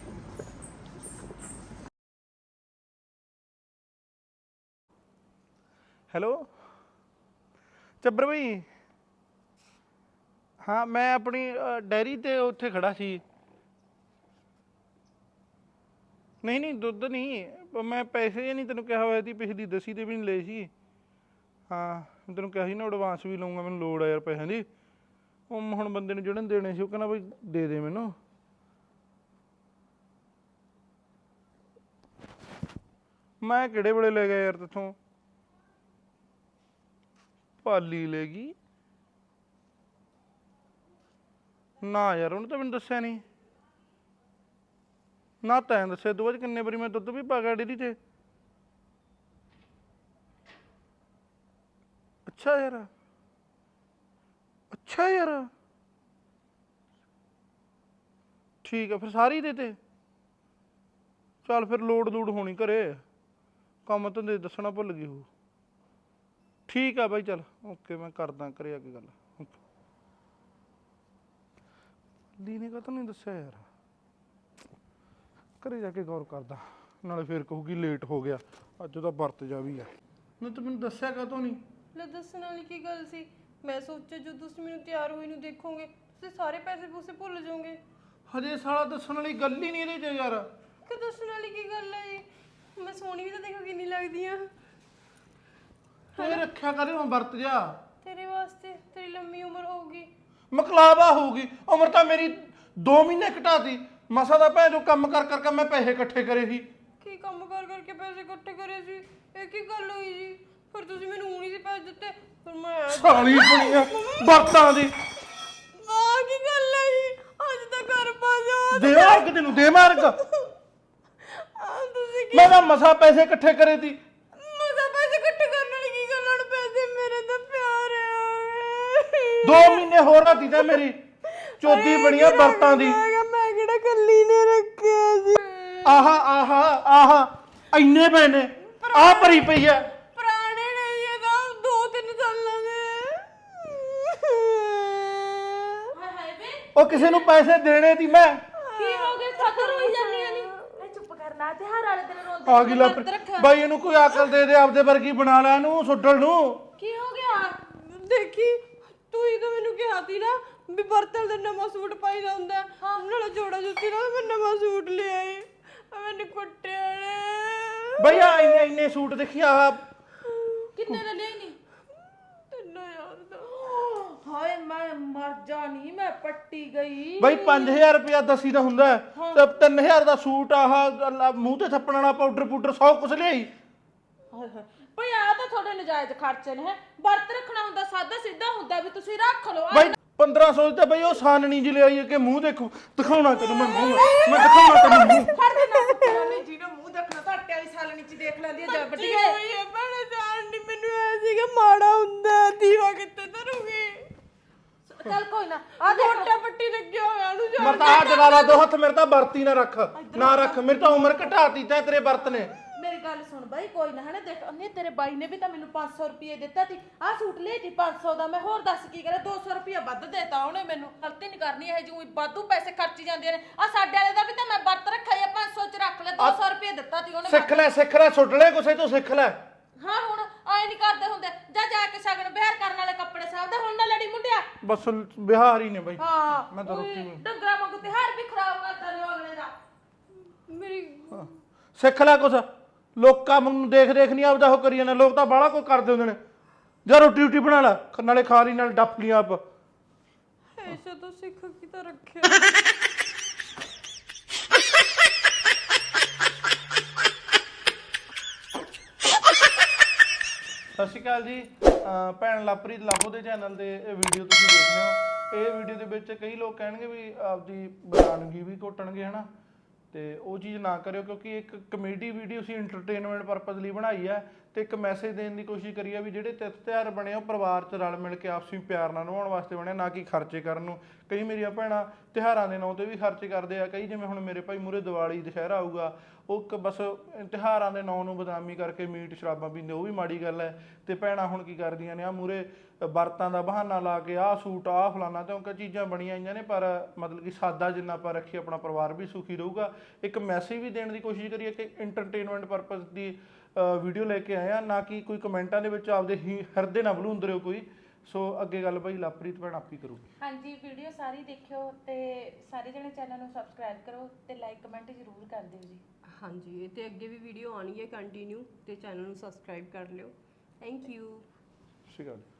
B: ਹੈਲੋ ਚੱਬਰ ਬਈ, ਹਾਂ ਮੈਂ ਆਪਣੀ ਡੈਰੀ ਤੇ ਉੱਥੇ ਖੜਾ ਸੀ। ਨਹੀਂ ਦੁੱਧ ਨਹੀਂ, ਮੈਂ ਪੈਸੇ ਨਹੀਂ ਤੈਨੂੰ ਕਿਹਾ ਹੋਇਆ ਸੀ, ਪਿਛਲੀ ਦਸੀ ਦੇ ਵੀ ਨਹੀਂ ਲਏ ਸੀ। ਹਾਂ ਤੈਨੂੰ ਕਿਹਾ ਸੀ ਨਾ ਐਡਵਾਂਸ ਵੀ ਲਊਂਗਾ, ਮੈਨੂੰ ਲੋੜ ਆ ਯਾਰ ਪੈਸਿਆਂ ਦੀ। ਉਹ ਹੁਣ ਬੰਦੇ ਨੂੰ ਜਿਹੜੇ ਦੇਣੇ ਸੀ ਉਹ ਕਹਿੰਦਾ ਬਈ ਦੇ ਮੈਨੂੰ। ਮੈਂ ਕਿਹੜੇ ਵੇਲੇ ਲੈ ਗਿਆ ਯਾਰ ਤੇਥੋਂ? ਪਾਲੀ ਲੈ ਗਈ ਨਾ ਯਾਰ, ਉਹਨੇ ਤਾਂ ਮੈਨੂੰ ਦੱਸਿਆ ਨਹੀਂ ਨਾ, ਤੈਂ ਦੱਸਿਆ। ਤੋਂ ਬਾਅਦ ਕਿੰਨੇ ਵਾਰੀ ਮੈਂ ਦੁੱਧ ਵੀ ਪਾ ਗਿਆ ਡੇਅਰੀ ਤੇ। ਅੱਛਾ ਯਾਰ ਠੀਕ ਆ, ਫਿਰ ਸਾਰੀ ਦੇ ਤੇ ਚੱਲ ਫਿਰ ਲੋੜ ਹੋਣੀ ਘਰੇ, ਕੰਮ ਧੰਦੇ ਦੱਸਣਾ ਭੁੱਲ ਗਈ ਹੋ। ਠੀਕ ਆ ਬਾਈ, ਚੱਲ ਓਕੇ, ਮੈਂ ਕਰਦਾ ਘਰੇ ਆ ਕੇ ਗੱਲ। ਦੀ ਨੇ ਕਾ ਨਹੀਂ ਦੱਸਿਆ ਯਾਰ, ਘਰੇ ਜਾ ਕੇ ਗੌਰ ਕਰਦਾ, ਨਾਲੇ ਫੇਰ ਕਹੂਗੀ ਲੇਟ ਹੋ ਗਿਆ, ਅੱਜ ਉਹਦਾ ਵਰਤ ਜਾ ਵੀ ਆ। ਨਹੀਂ ਤੂੰ ਮੈਨੂੰ ਦੱਸਿਆ ਕਾਹਤੋਂ ਨਹੀਂ?
A: ਲੈ ਦੱਸਣ ਵਾਲੀ ਕੀ ਗੱਲ ਸੀ? ਮੈਂ ਸੋਚਿਆ ਜਦੋਂ ਤੁਸੀਂ ਮੈਨੂੰ ਤਿਆਰ ਹੋਈ ਨੂੰ ਦੇਖੋਗੇ ਤੁਸੀਂ ਸਾਰੇ ਪੈਸੇ ਪੂਸੇ ਭੁੱਲ ਜਾਓਗੇ।
B: ਹਜੇ ਸਾਲਾ ਦੱਸਣ ਵਾਲੀ ਗੱਲ ਹੀ ਨਹੀਂ ਇਹਦੇ 'ਚ ਯਾਰ।
A: ਕਿ ਦੱਸਣ ਵਾਲੀ ਕੀ ਗੱਲ ਹੈ ਜੀ? ਮੈਂ ਸੋਹਣੀ ਵੀ ਤਾਂ ਦੇਖੋ ਕਿੰਨੀ ਲੱਗਦੀ ਆ।
B: ਤੂੰ ਰੱਖਿਆ ਕਰੇ ਹੁਣ ਵਰਤ ਜਾ,
A: ਤੇਰੇ ਵਾਸਤੇ ਤੇਰੀ ਲੰਮੀ ਉਮਰ ਹੋਊਗੀ।
B: ਮਕਲਾਵਾ ਹੋਊਗੀ ਉਮਰ ਤਾਂ ਮੇਰੀ 2 ਮਹੀਨੇ ਘਟਾਤੀ ਮਸਾ ਦਾ। ਭੈਣ ਜੋ ਕੰਮ ਕਰ ਕਰਕੇ ਮੈਂ ਪੈਸੇ ਇਕੱਠੇ ਕਰੇ ਸੀ।
A: ਕੀ ਕੰਮ ਕਰ ਕਰਕੇ ਪੈਸੇ ਇਕੱਠੇ ਕਰੇ ਸੀ? ਇਹ ਕੀ ਗੱਲ ਹੋਈ ਜੀ? ਫਿਰ ਤੁਸੀਂ ਮੈਨੂੰ ਊਣੀ ਸੀ ਪੈਸੇ ਦਿੱਤੇ, ਫਿਰ ਮੈਂ
B: ਸਾਲੀ ਬਣੀਆਂ ਵਰਤਾਂ ਦੀ।
A: ਆ ਕੀ ਗੱਲ ਹੈ ਜੀ? ਅੱਜ ਤਾਂ ਘਰ ਪਾ ਜਾ
B: ਦੇ ਮਾਰਗ ਤੈਨੂੰ, ਦੇ ਮਾਰਗ।
A: ਤੁਸੀਂ ਕੀ
B: ਮੈਂ ਤਾਂ ਮਸਾ ਪੈਸੇ ਇਕੱਠੇ ਕਰੇ ਸੀ।
A: ਮਜ਼ਾ ਪੈਸੇ ਇਕੱਠੇ ਕਰਨ ਵਾਲੀ ਕੀ ਗੱਲ? ਹੁਣ ਪੈਸੇ ਮੇਰੇ ਤਾਂ ਪਿਆਰ ਆ।
B: 2 ਮਹੀਨੇ ਹੋਰ ਰਾਤੀ ਤਾਂ ਮੇਰੀ ਚੋਦੀ ਬਣੀਆਂ ਵਰਤਾਂ ਦੀ।
A: ਮੈਂ ਕਿਹੜਾ ਕੱਲੀ ਨੇ ਰੱਖਿਆ ਜੀ?
B: ਆਹਾ ਇੰਨੇ ਪਏ ਨੇ, ਆਹ ਭਰੀ ਪਈ ਐ।
A: ਪੁਰਾਣੇ ਨਹੀਂ ਇਹ ਤਾਂ 2-3 ਸਾਲਾਂ ਦੇ।
E: ਹਾਏ ਹਾਏ ਵੇ
B: ਉਹ ਕਿਸੇ ਨੂੰ ਪੈਸੇ ਦੇਣੇ ਸੀ ਮੈਂ।
E: ਕੀ ਹੋ ਗਿਆ? ਖਤਰ ਹੋਈ ਜਾਂਦੀਆਂ ਨੇ। ਇਹ ਚੁੱਪ ਕਰਨਾ, ਤਿਉਹਾਰ ਵਾਲੇ ਦਿਨ ਰੋਂਦੇ
B: ਆ ਗਈ ਲੱਭ ਬਾਈ, ਇਹਨੂੰ ਕੋਈ ਅਕਲ ਦੇ ਦੇ, ਆਪਦੇ ਵਰਗੀ ਬਣਾ ਲੈ ਇਹਨੂੰ ਸੁੱਡਲ ਨੂੰ।
E: ਕੀ ਹੋ ਗਿਆ?
A: ਦੇਖੀ ਤੂੰ ਹੀ ਤਾਂ ਮੈਨੂੰ ਕਿਹਾ ਸੀ ਨਾ ਵੀ ਬਰਤਲ ਦਾ ਨਵਾਂ ਸੂਟ ਪਾਈਦਾ ਹੁੰਦਾ, ਨਾਲੇ ਜੋੜਾ ਜੁੱਤੀ ਨਾਲ ਮੈਂ ਨਵਾਂ ਸੂਟ ਲੈ ਆਈ। ਮੈਨੂੰ ਕੁੱਟਿਆ ਨੇ
B: ਬਈ ਆ ਇੰਨੇ ਸੂਟ ਦੇਖੀ ਆ।
E: ਕਿੰਨੇ ਦਾ ਲਿਆਈ ਨਹੀਂ?
A: 3000 ਦਾ।
E: ਹਾਏ ਮੈਂ ਮਰ ਜਾਣੀ, ਮੈਂ ਪੱਟੀ ਗਈ।
B: ਬਈ 5000 ਰੁਪਇਆ ਦਸੀ ਦਾ ਹੁੰਦਾ ਤੇ 3000 ਦਾ ਸੂਟ ਆਹ ਮੂੰਹ ਤੇ ਥੱਪਣ ਵਾਲਾ ਪਾਊਡਰ ਸਭ ਕੁਝ ਲਿਆਈ।
E: ਹਾਏ ਹਾਏ ਭਈ ਆ ਤਾਂ ਤੁਹਾਡੇ ਨਜਾਇਜ਼ ਖਰਚੇ ਨੇ। ਵਰਤ ਰੱਖਣਾ ਹੁੰਦਾ ਸਾਦਾ ਸਿੱਧਾ ਹੁੰਦਾ ਵੀ ਤੁਸੀਂ ਰੱਖ ਲਓ।
B: ਬਈ 1500 ਤੇ ਬਈ ਉਹ ਸਾਨਣੀ ਜਿਹੀ ਲਿਆਈ ਕਿ ਮੂੰਹ ਦੇਖੋ, ਦਿਖਾਉਣਾ ਤੈਨੂੰ ਮੈਂ ਮੂੰਹ, ਮੈਂ ਦਿਖਾਉਣਾ ਤੈਨੂੰ ਮੂੰਹ।
E: ਫੜ ਦੇ ਨਾ ਕੁੱਤਿਆਂ ਨੇ ਜਿਹਨੇ ਮੂੰਹ ਦੇਖਣਾ ਤਾਂ ਆਟੇ ਵਾਲੀ ਸਾਲਣੀ ਚ ਦੇਖ ਲੈਂਦੀ ਹੈ ਜੱਬ ਟੀ
A: ਹੋਈ ਭੈਣੇ ਜਾਣ ਨਹੀਂ ਮੈਨੂੰ ਐ ਸੀਗਾ ਮਾੜਾ ਹੁੰਦਾ ਦੀਵਾ ਕਿੱਥੇ ਧਰੂਗੀ।
E: ਚੱਲ ਕੋਈ ਨਾ ਆ ਦੇਖ
A: ਮੋਟਾ ਪੱਟੀ ਲੱਗਿਆ ਹੋਇਆ ਉਹਨੂੰ
B: ਮੈਂ ਤਾਂ ਆ ਜਗਾਲਾ ਦੋ ਹੱਥ ਮੇਰੇ ਤਾਂ ਵਰਤੀ ਨਾ ਰੱਖ ਮੇਰੀ ਤਾਂ ਉਮਰ ਘਟਾਤੀ ਤੈਂ ਤੇਰੇ ਵਰਤ ਨੇ।
E: ਮੇਰੀ ਗੱਲ ਸੁਣ ਬਾਈ ਕੋਈ ਨਾ ਹਨਾ ਦੇਖ ਉਹਨੇ ਤੇਰੇ ਬਾਈ ਨੇ ਵੀ ਤਾਂ ਮੈਨੂੰ 500 ਰੁਪਏ ਦਿੱਤਾ ਸੀ। ਆਹ ਸੂਟ ਲਈ ਸੀ 500 ਦਾ, ਮੈਂ ਹੋਰ ਦੱਸ ਕੀ ਕਰਾਂ 200 ਰੁਪਏ ਵੱਧ ਦੇਤਾ ਉਹਨੇ ਮੈਨੂੰ। ਗਲਤੀ ਨਹੀਂ ਕਰਨੀ ਇਹ ਜਿਉਂ ਵਾਧੂ ਪੈਸੇ ਖਰਚੀ ਜਾਂਦੇ ਨੇ। ਆ ਸਾਡੇ ਵਾਲੇ ਦਾ ਵੀ ਤਾਂ ਮੈਂ ਵਰਤ ਰੱਖਿਆ ਜਾਂ 500 ਚ ਰੱਖ ਲੈ 200 ਰੁਪਏ ਦਿੱਤਾ ਸੀ ਉਹਨੇ।
B: ਸਿੱਖ ਲੈ ਸੁੱਟ ਲੈ ਕੁਛ ਤੋਂ ਸਿੱਖ ਲੈ।
E: ਹਾਂ ਹੁਣ ਆਏ ਨਹੀਂ ਕਰਦੇ ਹੁੰਦੇ ਜਾ ਕੇ ਸ਼ਗਨ ਬਿਹਾਰ ਕਰਨ ਵਾਲੇ ਕੱਪੜੇ ਸਾਹਿਬ ਦਾ ਹੁਣ ਨਾ ਲੜੀ ਮੁੰਡਿਆ।
B: ਬਸ ਬਿਹਾਰ ਹੀ ਨੇ ਬਈ।
E: ਹਾਂ
B: ਮੈਂ ਤਾਂ ਰੋਟੀ
E: ਡੰਗਰਾ ਵਾਂਗੂ ਤਿਉਹਾਰ ਵੀ ਖਰਾਬ ਕਰਦਾ ਨੇ ਅਗਲੇ ਦਾ।
A: ਮੇਰੀ
B: ਸਿੱਖ ਲੈ ਕੁਛ, ਲੋਕਾਂ ਨੂੰ ਦੇਖ ਨਹੀਂ ਆਪਦਾ ਉਹ ਕਰੀ ਜਾਂਦੇ। ਲੋਕ ਤਾਂ ਬਾਹਲਾ ਕੋਈ ਕਰਦੇ ਹੁੰਦੇ ਨੇ। ਜਾ ਰੋਟੀ ਬਣਾ ਲੈ, ਨਾਲੇ ਖਾ ਲਈ ਨਾਲ ਡੱਫ ਲਈ ਆਪ।
A: ਐਸਾ ਤਾਂ ਸਿੱਖ ਕੀ ਤਾਂ ਰੱਖਿਆ।
B: ਸਤਿ ਸ਼੍ਰੀ ਅਕਾਲ ਜੀ। ਭੈਣ ਲਵਪ੍ਰੀਤ ਲਾਹੋ ਦੇ ਚੈਨਲ ਤੇ ਇਹ ਵੀਡੀਓ ਤੁਸੀਂ ਦੇਖ ਰਹੇ ਹੋ। ਇਹ ਵੀਡੀਓ ਦੇ ਵਿੱਚ ਕਈ ਲੋਕ ਕਹਿਣਗੇ ਵੀ ਆਪਦੀ ਬਰਾਨਗੀ ਵੀ ਘੋਟਣਗੇ ਹਨਾ, ਤੇ ਉਹ ਚੀਜ਼ ਨਾ ਕਰਿਓ ਕਿਉਂਕਿ ਇੱਕ ਕਮੇਡੀ ਵੀਡੀਓ ਸੀ, ਐਂਟਰਟੇਨਮੈਂਟ ਪਰਪਸ ਲਈ ਬਣਾਈ ਹੈ ਤੇ ਇੱਕ ਮੈਸੇਜ ਦੇਣ ਦੀ ਕੋਸ਼ਿਸ਼ ਕਰੀ ਹੈ ਵੀ ਜਿਹੜੇ ਤਿਥ ਤਿਉਹਾਰ ਬਣੇ ਉਹ ਪਰਿਵਾਰ 'ਚ ਰਲ ਮਿਲ ਕੇ ਆਪਸੀ ਪਿਆਰ ਨਾਲ ਨਿਭਾਉਣ ਵਾਸਤੇ ਬਣੇ, ਨਾ ਕਿ ਖਰਚੇ ਕਰਨ ਨੂੰ। ਕਈ ਮੇਰੀਆਂ ਭੈਣਾਂ ਤਿਉਹਾਰਾਂ ਦੇ ਨਾਂ ਤੇ ਵੀ ਖਰਚੇ ਕਰਦੇ ਆ। ਕਈ ਜਿਵੇਂ ਹੁਣ ਮੇਰੇ ਭਾਈ ਮੂਹਰੇ ਦੀਵਾਲੀ ਦੁਸ਼ਹਿਰਾ ਆਊਗਾ, ਉਹ ਬਸ ਤਿਉਹਾਰਾਂ ਦੇ ਨਾਂ ਨੂੰ ਬਦਨਾਮੀ ਕਰਕੇ ਮੀਟ ਸ਼ਰਾਬਾਂ ਪੀਂਦੇ, ਉਹ ਵੀ ਮਾੜੀ ਗੱਲ ਹੈ। ਤੇ ਭੈਣਾਂ ਹੁਣ ਕੀ ਕਰਦੀਆਂ ਨੇ, ਆ ਮੂਹਰੇ ਵਰਤਾਂ ਦਾ ਬਹਾਨਾ ਲਾ ਕੇ ਆਹ ਸੂਟ ਆਹ ਫਲਾਨਾ ਕਿਉਂਕਿ ਚੀਜ਼ਾਂ ਬਣੀਆਂ ਆਈਆਂ ਨੇ, ਪਰ ਮਤਲਬ ਕਿ ਸਾਦਾ ਜਿੰਨਾ ਆਪਾਂ ਰੱਖੀਏ ਆਪਣਾ ਪਰਿਵਾਰ ਵੀ ਸੁਖੀ ਰਹੂਗਾ। ਇੱਕ ਮੈਸੇਜ ਵੀ ਦੇਣ ਦੀ ਕੋਸ਼ਿਸ਼ ਕਰੀਏ ਕਿ ਐਂਟਰਟੇਨਮੈਂਟ ਪਰਪਸ ਦੀ ਵੀਡੀਓ ਲੈ ਕੇ ਆਏ ਆ, ਨਾ ਕਿ ਕੋਈ ਕਮੈਂਟਾਂ ਦੇ ਵਿੱਚ ਆਪਦੇ ਹੀ ਹਿਰਦੇ ਨਾ ਬਲੂੰਦ ਰਿਓ ਕੋਈ। ਸੋ ਅੱਗੇ ਗੱਲ ਭਾਈ ਲਵਪ੍ਰੀਤ ਭੈਣ ਆਪੀ ਕਰੂਗੀ।
E: ਹਾਂਜੀ ਵੀਡੀਓ ਸਾਰੀ ਦੇਖਿਓ ਤੇ ਸਾਰੇ ਜਣੇ ਚੈਨਲ ਨੂੰ ਸਬਸਕ੍ਰਾਈਬ ਕਰੋ ਤੇ ਲਾਈਕ ਕਮੈਂਟ ਜ਼ਰੂਰ ਕਰ ਦਿਓ ਜੀ।
A: ਹਾਂਜੀ ਤੇ ਅੱਗੇ ਵੀ ਵੀਡੀਓ ਆਉਣੀ ਹੈ ਕੰਟੀਨਿਊ, ਤੇ ਚੈਨਲ ਨੂੰ ਸਬਸਕ੍ਰਾਈਬ ਕਰ ਲਿਓ। Thank you.
B: ਸਤਿ ਸ਼੍ਰੀ ਅਕਾਲ।